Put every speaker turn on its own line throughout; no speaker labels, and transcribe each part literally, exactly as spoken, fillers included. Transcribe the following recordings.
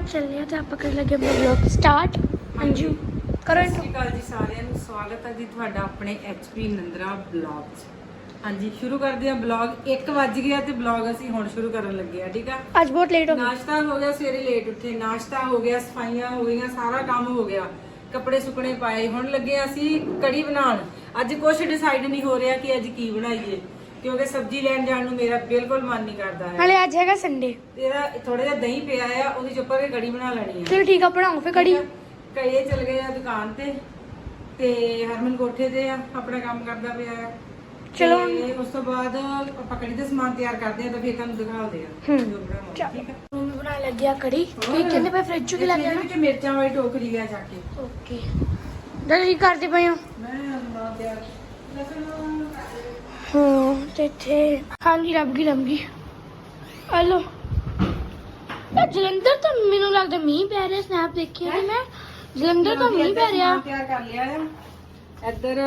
ਚੱਲਿਆ ਤੇ ਆਪਾਂ ਕਰ ਲੱਗੇ ਆਪਣਾ ਵਲੌਗ ਸਟਾਰਟ। ਹਾਂਜੀ ਕਰੋ।
ਸਤਿ ਸ਼੍ਰੀ ਅਕਾਲ ਜੀ ਸਾਰਿਆਂ ਨੂੰ, ਸਵਾਗਤ ਹੈ ਜੀ ਤੁਹਾਡਾ ਆਪਣੇ ਐਚਪੀ ਨੰਦਰਾ ਬਲੌਗ 'ਚ। ਹਾਂਜੀ ਸ਼ੁਰੂ ਕਰਦੇ ਹਾਂ ਬਲੌਗ। ਇੱਕ ਵੱਜ ਗਿਆ ਤੇ ਬਲੌਗ ਅਸੀਂ ਹੁਣ ਸ਼ੁਰੂ ਕਰਨ ਲੱਗੇ ਆ। ਠੀਕ ਆ,
ਅੱਜ ਬਹੁਤ ਲੇਟ ਹੋ ਗਿਆ।
ਨਾਸ਼ਤਾ ਹੋ ਗਿਆ, ਸਵੇਰੇ ਲੇਟ ਉੱਠੇ, ਨਾਸ਼ਤਾ ਹੋ ਗਿਆ, ਸਫਾਈਆਂ ਹੋ ਗਈਆਂ, ਸਾਰਾ ਕੰਮ ਹੋ ਗਿਆ, ਕੱਪੜੇ ਸੁੱਕਣੇ ਪਾਏ। ਹੁਣ ਲੱਗੇ ਅਸੀਂ ਕੜੀ ਬਣਾਉਣ। ਅੱਜ ਕੁਝ ਡਿਸਾਈਡ ਨਹੀਂ ਹੋ ਰਿਹਾ ਕਿ ਅੱਜ ਕੀ ਬਣਾਈਏ, ਕਿਉਂਕਿ ਸਬਜ਼ੀ ਲੈਣ ਜਾਣ ਨੂੰ ਮੇਰਾ ਬਿਲਕੁਲ ਮਨ ਨਹੀਂ ਕਰਦਾ ਹੈ।
ਹਲੇ ਅੱਜ ਹੈਗਾ ਸੰਡੇ।
ਤੇਰਾ ਥੋੜਾ ਜਿਹਾ ਦਹੀਂ ਪਿਆ ਆ, ਉਹਦੀ ਚੁੱਪ ਕੇ ਕੜੀ ਬਣਾ ਲੈਣੀ ਆ।
ਚਲੋ ਠੀਕ ਆ, ਬਣਾਓ ਫੇ ਕੜੀ।
ਕਈ ਚਲ ਗਏ ਆ ਦੁਕਾਨ ਤੇ ਤੇ ਹਰਮਨ ਕੋਠੇ ਤੇ ਆ, ਆਪਣਾ ਕੰਮ ਕਰਦਾ ਪਿਆ ਆ।
ਚਲੋ
ਤੇ ਉਸ ਤੋਂ ਬਾਅਦ ਆਪਾਂ ਕੜੀ ਦਾ ਸਮਾਨ ਤਿਆਰ ਕਰਦੇ ਆ ਤਾਂ ਫਿਰ ਤੁਹਾਨੂੰ ਦਿਖਾਉਂਦੇ ਆ ਜੋ ਬਣਾਵਾਂਗੇ। ਠੀਕ ਆ,
ਮੰਮੀ ਬਣਾ ਲੱਗੀ ਆ ਕੜੀ। ਤੁਸੀਂ ਕਹਿੰਦੇ ਪਏ ਫ੍ਰਿਜ ਚੋਂ ਕੀ ਲੈ ਕੇ ਆਣਾ?
ਵਿੱਚ ਮਿਰਚਾਂ ਵਾਲੀ ਟੋਕਰੀ ਲਿਆ ਜਾ ਕੇ।
ਓਕੇ ਦੱਸੀ ਕਰਦੇ ਪਏ ਹੋ?
ਮੈਂ ਨਾ ਤਿਆਰ ਲਸਣ
ਹਾਂ ਤੇ ਇੱਥੇ ਹਾਂਜੀ ਲੱਭ ਗਈ ਲੱਭ ਗਈ। ਹਲੋ ਜਲੰਧਰ ਤਾਂ ਮੈਨੂੰ ਲੱਗਦਾ ਮੀਂਹ ਪੈ ਰਿਹਾ। ਸਨੈਪ ਦੇਖਿਆ ਸੀ ਮੈਂ, ਜਲੰਧਰ ਤਾਂ ਮੀਂਹ ਪੈ ਰਿਹਾ।
ਤਿਆਰ ਕਰ ਲਿਆ ਆ। ਇੱਧਰ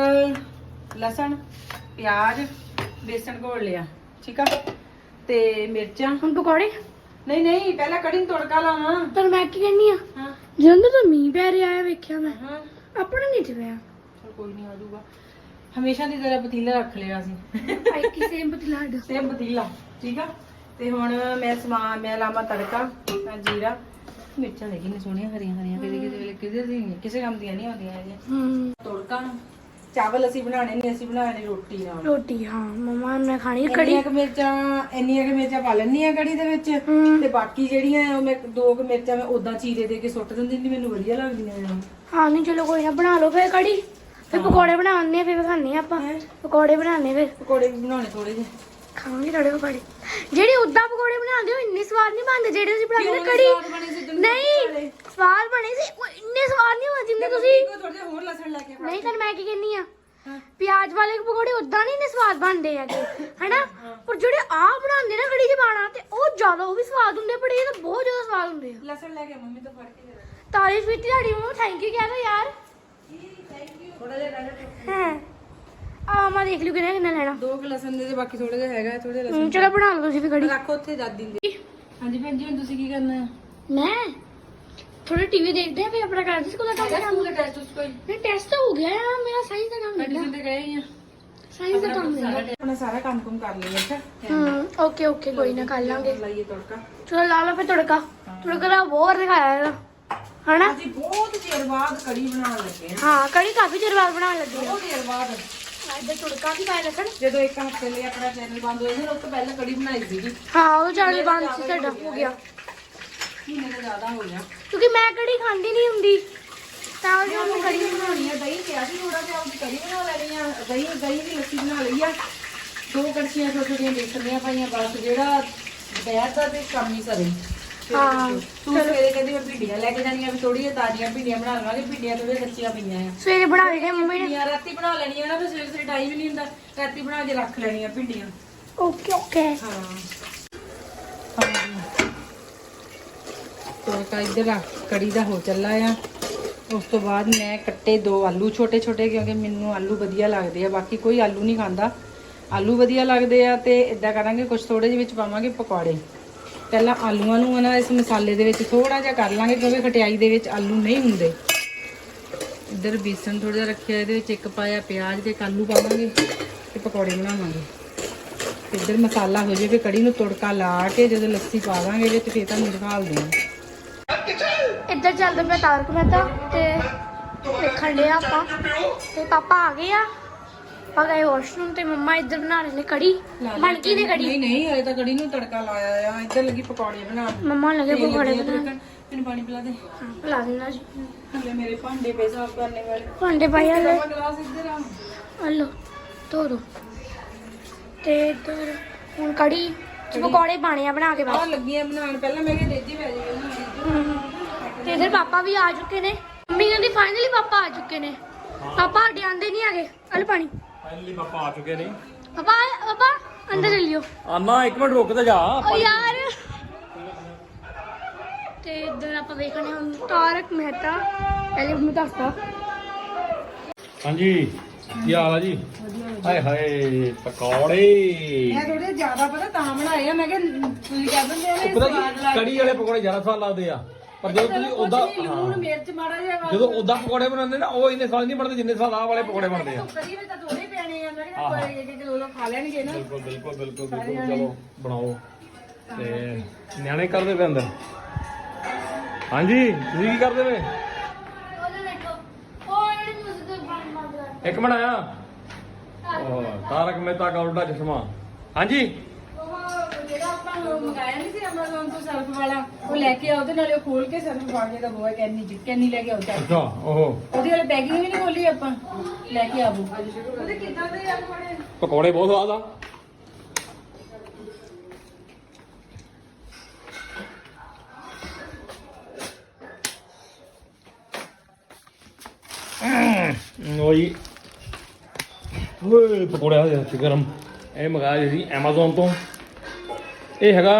ਲਸਣ, ਪਿਆਜ਼, ਬੇਸਣ ਘੋਲ ਲਿਆ। ਠੀਕ ਆ, ਤੇ ਮਿਰਚਾਂ।
ਹੁਣ ਪਕੌੜੇ?
ਨਹੀਂ ਨਹੀਂ, ਪਹਿਲਾਂ ਕੜੀ ਨੂੰ ਤੜਕਾ ਲਾਵਾਂ।
ਪਰ ਮੈਂ ਕੀ ਕਹਿੰਨੀ ਆ,
ਹਾਂ
ਜਲੰਧਰ ਤਾਂ ਮੀਂਹ ਪੈ ਰਿਹਾ ਹੈ, ਵੇਖਿਆ ਮੈਂ।
ਹਾਂ
ਆਪਣਾ ਨਹੀਂ ਤੇ ਪਿਆ।
ਚਲ ਕੋਈ ਨਹੀਂ, ਆ ਜਾਊਗਾ। ਹਮੇਸ਼ਾ ਦੀ ਤਰ੍ਹਾਂ ਪਤੀਲਾ ਰੱਖ ਲਿਆ ਸੀ।
ਆਈ ਕੀ ਸੇਮ ਪਤੀਲਾ ਸਾਡਾ।
ਸੇਮ ਪਤੀਲਾ। ਠੀਕ ਆ, ਤੇ ਹੁਣ ਮੈਂ ਸਮਾਨ ਮੈਂ ਲਾਵਾਂ ਤੜਕਾ। ਮੈਂ ਜੀਰਾ, ਮਿਰਚਾਂ ਦੇਖੀ ਨੇ ਸੋਹਣੀਆਂ ਹਰੀਆਂ ਹਰੀਆਂ, ਕਿਤੇ ਕਿਤੇ ਵੇਲੇ ਕਿਸੇ ਦੀ ਕਿਸੇ ਕੰਮ ਦੀਆਂ ਨਹੀਂ ਆਉਂਦੀਆਂ ਇਹ।
ਹੂੰ
ਤੜਕਾ ਚਾਵਲ ਅਸੀਂ ਬਣਾਣੇ ਨਹੀਂ, ਅਸੀਂ ਬਣਾਣੇ ਰੋਟੀ ਨਾਲ।
ਰੋਟੀ ਹਾਂ ਮੰਮਾ ਨੇ ਖਾਣੀ ਕੜੀ।
ਇੰਨੀਆਂ ਕੁ ਮਿਰਚਾਂ ਇੰਨੀਆਂ ਕੁ ਮਿਰਚਾਂ ਪਾ ਲੈਣੀ ਆ ਕੜੀ ਦੇ ਵਿੱਚ,
ਹੂੰ।
ਤੇ ਬਾਕੀ ਜਿਹੜੀਆਂ ਉਹ ਮੈਂ ਦੋ ਕੁ ਮਿਰਚਾਂ ਮੈਂ ਉਦਾਂ ਚੀਰੇ ਦੇ ਕੇ ਸੁੱਟ ਦਿੰਦੀ ਨਹੀਂ, ਮੈਨੂੰ ਵਧੀਆ ਲੱਗਦੀਆਂ ਆ।
ਹਾਂ ਨਹੀਂ ਚਲੋ ਕੋਈ ਨਾ, ਬਣਾ ਲਓ ਫਿਰ ਕੜੀ। ਫਿਰ ਪਕੌੜੇ ਬਣਾਉਣੇ ਆ, ਫਿਰ ਖਾਣੇ ਆ ਆਪਾਂ। ਪਕੌੜੇ ਬਣਾਉਣੇ ਫਿਰ
ਪਕੌੜੇ ਵੀ ਬਣਾਉਣੇ ਥੋੜੇ ਜਿਹੇ,
ਖਾਵਾਂਗੇ ਥੋੜੇ ਪਕੌੜੇ। ਜਿਹੜੇ ਉਦਾਂ ਪਕੌੜੇ ਬਣਾਉਂਦੇ ਹੋ ਇੰਨੇ ਸਵਾਦ ਨਹੀਂ ਬਣਦੇ ਜਿਹੜੇ ਤੁਸੀਂ ਬਣਾਉਂਦੇ ਨਾ ਕੜੀ। ਨਹੀਂ ਸਵਾਦ ਬਣੇ ਸੀ, ਉਹ ਇੰਨੇ ਸਵਾਦ ਨਹੀਂ ਹੁੰਦੇ ਜਿੰਨੇ ਤੁਸੀਂ।
ਥੋੜੇ ਜਿਹਾ ਹੋਰ ਲਸਣ ਲੈ ਕੇ ਪਾ।
ਨਹੀਂ ਤਾਂ ਮੈਂ ਕੀ ਕਹਿੰਨੀ ਆ, ਪਿਆਜ਼ ਵਾਲੇ ਪਕੌੜੇ ਉਦਾਂ ਨਹੀਂ ਇੰਨੇ ਸਵਾਦ ਬਣਦੇ ਹੈਗੇ ਹਨਾ, ਪਰ ਜਿਹੜੇ ਆਹ ਬਣਾਉਂਦੇ ਨਾ ਕੜੀ 'ਚ ਪਾਣਾ ਤੇ ਉਹ ਜ਼ਿਆਦਾ ਉਹ ਵੀ ਸਵਾਦ ਹੁੰਦੇ, ਪਰ ਇਹ ਤਾਂ ਬਹੁਤ ਜ਼ਿਆਦਾ ਸਵਾਦ ਹੁੰਦੇ ਆ।
ਲਸਣ ਲੈ ਕੇ ਮੰਮੀ ਤੋਂ ਫੜ ਕੇ ਦੇ ਦੇ।
ਤਾਰੀਫ ਕੀਤੀ ਤੁਹਾਡੀ ਮੰਮਾ, ਥੈਂਕ ਯੂ ਕਹਿ ਦੋ ਯਾਰ।
ਥੋੜਾ ਜਿਹਾ ਲੈ ਲੈ।
ਹਾਂ ਆ ਮੈਂ ਦੇਖ ਲਿਓ ਕਿੰਨਾ ਕਿੰਨਾ ਲੈਣਾ।
ਦੋ ਕੁ ਲਸਣ ਦੇ ਤੇ ਬਾਕੀ ਥੋੜਾ ਜਿਹਾ ਹੈਗਾ, ਥੋੜਾ ਜਿਹਾ ਲਸਣ
ਹਮ, ਚਲੋ ਬਣਾ ਲਓ ਤੁਸੀਂ ਵੀ ਕੜੀ।
ਰੱਖੋ ਉੱਥੇ ਦਾਦੀ ਦੇ। ਹਾਂਜੀ ਭੈਣ ਜੀ, ਹੁਣ ਤੁਸੀਂ ਕੀ ਕਰਨਾ ਹੈ?
ਮੈਂ ਥੋੜਾ ਟੀਵੀ ਦੇਖਦੇ ਆ, ਫਿਰ ਆਪਣਾ ਕਰਦੇ ਸਕੂਲ ਦਾ ਕੰਮ
ਸਕੂਲ
ਕਰਾਂਗੇ।
ਦਾ ਟੈਸਟ ਉਸ ਕੋਈ
ਨਹੀਂ ਟੈਸਟ ਤਾਂ ਹੋ ਗਿਆ ਆ ਮੇਰਾ, ਸਾਇੰਸ ਦਾ ਕੰਮ
ਐਡੀਸ਼ਨ
ਲੈਣਾ।
ਤੇ ਗਏ ਹੀ ਆ।
ਸਾਇੰਸ ਦਾ ਕੰਮ ਲੈਣਾ।
ਆਪਣਾ ਸਾਰਾ ਕੰਮ ਕੰਮ ਕਰ ਲਿਆ। ਅੱਛਾ
ਹਮ ਓਕੇ ਓਕੇ ਕੋਈ ਨਾ ਕਰ ਲਾਂਗੇ।
ਲਾਈਏ ਤੜਕਾ।
ਚਲੋ ਲਾ ਲਓ ਫਿਰ ਤੜਕਾ। ਤੜਕਾ ਦਾ ਬਹੁਤ ਦਿਖਾਇਆ ਇਹਦਾ ਹਨਾ।
ਅਸੀਂ ਬਹੁਤ ਚਿਰ ਬਾਅਦ ਕੜੀ ਬਣਾਉਣ ਲੱਗੇ ਹਾਂ।
ਹਾਂ ਕੜੀ ਕਾਫੀ ਚਿਰ ਬਾਅਦ ਬਣਾਉਣ ਲੱਗੇ ਆ।
ਬਹੁਤ ਚਿਰ ਬਾਅਦ।
ਇੱਧਰ ਤੜਕਾ ਵੀ ਪਾਇਆ ਲਸਣ।
ਜਦੋਂ ਇੱਕ ਹਫ਼ਤੇ ਲਈ ਆਪਣਾ ਚੈਨਲ ਬੰਦ ਹੋਇਆ ਸੀ, ਉਸ ਤੋਂ ਪਹਿਲਾਂ ਕੜੀ ਬਣਾਈ ਸੀਗੀ।
ਹਾਂ ਉਹ ਚੈਨਲ ਬੰਦ ਸੀ ਸਾਡਾ, ਹੋ ਗਿਆ
ਮਹੀਨੇ ਤੋਂ ਜ਼ਿਆਦਾ ਹੋ ਗਿਆ,
ਕਿਉਂਕਿ ਮੈਂ ਕੜੀ ਖਾਂਦੀ ਨਹੀਂ ਹੁੰਦੀ ਤਾਂ ਉਹ ਜੋ
ਕੜੀ ਬਣਾਉਣੀ ਆ। ਦਹੀਂ ਪਿਆ ਸੀ ਥੋੜਾ ਜਿਹਾ, ਉਹਦੀ ਕੜੀ ਬਣਾ ਲੈਣੀ ਆ। ਦਹੀਂ ਦਹੀਂ ਦੀ ਲੱਸੀ ਬਣਾ ਲਈ ਆ। ਦੋ ਕੜਛੀਆਂ ਛੋਟੀਆਂ ਛੋਟੀਆਂ ਬੇਸਣੀਆਂ ਪਾਈਆਂ, ਬਸ ਜਿਹੜਾ ਦੁਪਹਿਰ ਦਾ ਤੇ ਕੰਮ ਹੀ ਸਰੇ।
ਹਾਂ
ਤੂੰ ਸਵੇਰੇ ਕਹਿੰਦੀ ਮੈਂ ਭਿੰਡੀਆਂ ਲੈ ਕੇ ਜਾਣੀਆਂ, ਵੀ ਥੋੜੀਆਂ ਤਾਜ਼ੀਆਂ ਭਿੰਡੀਆਂ ਬਣਾ ਲਵਾਂਗੇ। ਭਿੰਡੀਆਂ ਥੋੜੀਆਂ ਕੱਚੀਆਂ ਪਈਆਂ ਆ।
ਸਵੇਰੇ ਬਣਾ ਲੈਣੇ ਮੰਮੀ ਨੇ।
ਭਿੰਡੀਆਂ ਰਾਤੀ ਬਣਾ ਲੈਣੀਆਂ ਨਾ, ਫਿਰ ਸਵੇਰੇ ਸਵੇਰੇ ਟਾਈਮ ਹੀ ਨਹੀਂ ਹੁੰਦਾ। ਰਾਤੀ ਬਣਾ ਕੇ ਰੱਖ ਲੈਣੀਆਂ ਭਿੰਡੀਆਂ।
ਓਕੇ ਓਕੇ
ਹਾਂ ਤੜਕਾ ਇੱਧਰ ਕੜੀ ਦਾ ਹੋ ਚੱਲਾ ਆ। ਉਸ ਤੋਂ ਬਾਅਦ ਮੈਂ ਕੱਟੇ ਦੋ ਆਲੂ ਛੋਟੇ ਛੋਟੇ, ਕਿਉਂਕਿ ਮੈਨੂੰ ਆਲੂ ਵਧੀਆ ਲੱਗਦੇ ਆ, ਬਾਕੀ ਕੋਈ ਆਲੂ ਨਹੀਂ ਖਾਂਦਾ। ਆਲੂ ਵਧੀਆ ਲੱਗਦੇ ਆ। ਤੇ ਇਦਾਂ ਕਰਾਂਗੇ, ਕੁਝ ਥੋੜੇ ਜਿਹੇ ਵਿੱਚ ਪਾਵਾਂਗੇ ਪਕੌੜੇ। ਪਹਿਲਾਂ ਆਲੂਆਂ ਨੂੰ ਨਾ ਇਸ ਮਸਾਲੇ ਦੇ ਵਿੱਚ ਥੋੜਾ ਜਿਹਾ ਕਰ ਲਾਂਗੇ, ਕਿਉਂਕਿ ਖਟਿਆਈ ਦੇ ਵਿੱਚ ਆਲੂ ਨਹੀਂ ਹੁੰਦੇ। ਇੱਧਰ ਬੇਸਣ ਥੋੜਾ ਜਿਹਾ ਰੱਖਿਆ, ਇਹਦੇ ਵਿੱਚ ਇੱਕ ਪਾਇਆ ਪਿਆਜ਼ ਤੇ ਆਲੂ ਪਾਵਾਂਗੇ ਤੇ ਪਕੌੜੇ ਬਣਾਵਾਂਗੇ। ਇੱਧਰ ਮਸਾਲਾ ਹੋ ਜਾਵੇ, ਕੜੀ ਨੂੰ ਤੜਕਾ ਲਾ ਕੇ ਜਦੋਂ ਲੱਸੀ ਪਾ ਦਾਂਗੇ ਇਹਦੇ ਤੇ ਫਿਰ ਤੁਹਾਨੂੰ ਦਿਖਾਉਂਦੇ ਹਾਂ।
ਇੱਧਰ ਚੱਲਦਾ ਪਿਆ ਤਾਰਕ ਮਹਿਤਾ ਤੇ ਵੇਖਣ ਡਿਆ ਆਪਾਂ, ਤੇ ਪਾਪਾ ਆ ਗਏ ਆ। ਆਪਾਂ ਗਏ ਵਾਸ਼ਰੂਮ ਤੇ ਮੰਮਾ ਇੱਧਰ ਬਣਾ ਰਹੇ ਨੇ ਕੜੀ। ਬਣ ਗਈ ਨੇ ਕੜੀ?
ਨਹੀਂ ਨਹੀਂ, ਹਲੇ ਤਾਂ ਕੜੀ ਨੂੰ ਤੜਕਾ ਲਾਇਆ ਆ। ਇੱਧਰ ਲੱਗੀ ਪਕੌੜੇ ਬਣਾਉਣ।
ਮੰਮਾ ਲੱਗੇ ਪਕੌੜੇ ਬਣਾਉਣ।
ਮੈਨੂੰ ਪਾਣੀ ਪਿਲਾ ਦੇ।
ਹਾਂ ਪਿਲਾ ਦੇਣਾ ਜੀ।
ਹਲੇ ਮੇਰੇ ਭਾਂਡੇ ਪਏ ਸਾਫ਼ ਕਰਨੇ ਵਾਲੇ।
ਭਾਂਡੇ ਪਾਈ ਹਲੇ।
ਗਲਾਸ ਇੱਧਰ ਆ।
ਹਲੋ ਧੋ ਦੋ। ਤੇ ਇੱਧਰ ਹੁਣ ਕੜੀ ਚ ਪਕੌੜੇ ਪਾਣੇ ਆ ਬਣਾ ਕੇ ਬਸ।
ਆਹ ਲੱਗੀਆਂ ਬਣਾਉਣ। ਪਹਿਲਾਂ ਮੈਂ ਕਿਹਾ ਦੇਜੀ ਪੈ ਜਾਏਗੀ।
ਤੇ ਇਧਰ ਪਾਪਾ ਵੀ ਆ ਚੁੱਕੇ ਨੇ। ਮੰਮੀ ਕਹਿੰਦੀ ਫਾਈਨਲੀ ਪਾਪਾ ਆ ਚੁੱਕੇ ਨੇ। ਪਾਪਾ ਸਾਡੇ ਆਂਦੇ ਨਹੀਂ ਹੈਗੇ। ਹਲ ਪਾਣੀ।
ਫਾਈਨਲੀ ਪਾਪਾ ਆ ਚੁੱਕੇ ਨੇ।
ਪਾਪਾ ਪਾਪਾ ਅੰਦਰ ਚੱਲਿਓ।
ਆਨਾ ਇੱਕ ਮਿੰਟ ਰੁਕ ਤੇ ਜਾ।
ਓ ਯਾਰ ਤੇ ਇਧਰ ਆਪਾਂ ਵੇਖਣੇ ਹੁਣ ਤਾਰਕ ਮਹਿਤਾ। ਪਹਿਲੇ ਮੈਨੂੰ ਦੱਸਦਾ।
ਹਾਂਜੀ ਕੀ ਹਾਲ ਆ ਜੀ? ਹਾਏ ਹਾਏ ਪਕੌੜੇ।
ਮੈਂ ਥੋੜੇ ਜ਼ਿਆਦਾ ਪਤਾ ਤਾਂ ਬਣਾਏ ਆ। ਮੈਂ ਕਿਹਾ ਤੁਸੀਂ ਕਹਿ ਦਿੰਦੇ ਆ ਨੇ
ਪਤਾ
ਸਵਾਦ
ਕੀ
ਲੱਗ
ਕੜੀ ਵਾਲੇ ਪਕੌੜੇ ਜ਼ਿਆਦਾ ਸਵਾਦ ਲੱਗਦੇ ਆ। ਪਰ ਜਦੋਂ ਤੁਸੀਂ ਉਦਾਂ
ਲੂਣ ਮਿਰਚ ਮਾੜਾ ਜਿਹਾ
ਜਦੋਂ ਉਦਾਂ ਪਕੌੜੇ ਬਣਾਉਂਦੇ ਨਾ ਉਹ ਇੰਨੇ ਸਵਾਦ ਨਹੀਂ ਬਣਦੇ ਜਿੰਨੇ ਸਵਾਦ ਆਹ ਵਾਲੇ ਪਕੌੜੇ ਬਣਦੇ ਆ।
ਕਦੀ ਵੀ ਤਾਂ ਥੋੜੇ ਪੈਣੇ ਆ ਮੈਂ ਕਿਹਾ ਇੱਕ ਇੱਕ ਕਿਲੋ ਖਾ ਲੈਣਗੇ ਨਾ।
ਬਿਲਕੁਲ ਬਿਲਕੁਲ ਬਿਲਕੁਲ ਬਿਲਕੁਲ ਚਲੋ ਬਣਾਓ। ਤੇ ਨਿਆਣੇ ਕਰਦੇ ਪਏ ਅੰਦਰ। ਹਾਂਜੀ ਤੁਸੀਂ ਕੀ ਕਰਦੇ ਪਏ? ਇੱਕ ਮਿੰਟ ਆਇਆ। ਉਹ ਤਾਰਕ ਮਹਿਤਾ ਕਾ ਉਲਟਾ ਚਸ਼ਮਾ। ਹਾਂਜੀ
ਜਿਹੜਾ ਆਪਾਂ ਮੰਗਾਇਆ ਨਹੀਂ ਸੀ Amazon ਤੋਂ ਸਰਫ ਵਾਲਾ ਉਹ ਲੈ ਕੇ ਆਓ ਤੇ ਨਾਲੇ ਉਹ ਖੋਲ ਕੇ ਸਰਫ ਪਾ ਕੇ ਦਾ ਬੋਏ ਕੈਨੀ ਜੀ ਕੈਨੀ ਲੈ ਕੇ ਆਓ ਚਾਹੀਦੀ।
ਅੱਛਾ ਉਹ
ਉਹਦੀ ਵਾਲੀ ਪੈਕਿੰਗ ਵੀ ਨਹੀਂ ਖੋਲੀ ਆਪਾਂ ਲੈ ਕੇ ਆਵੋ। ਉਹਦੇ ਕਿੱਦਾਂ ਦੇ ਯਾਰ ਬੜੇ
ਪਕੌੜੇ ਬਹੁਤ ਸਵਾਦ ਆ। ਉਹੀ ਓਏ ਪਕੌੜੇ ਆ ਜਾਂਦੇ ਗਰਮ। ਇਹ ਮੰਗਾਇਆ ਸੀ Amazon ਤੋਂ। ਇਹ ਹੈਗਾ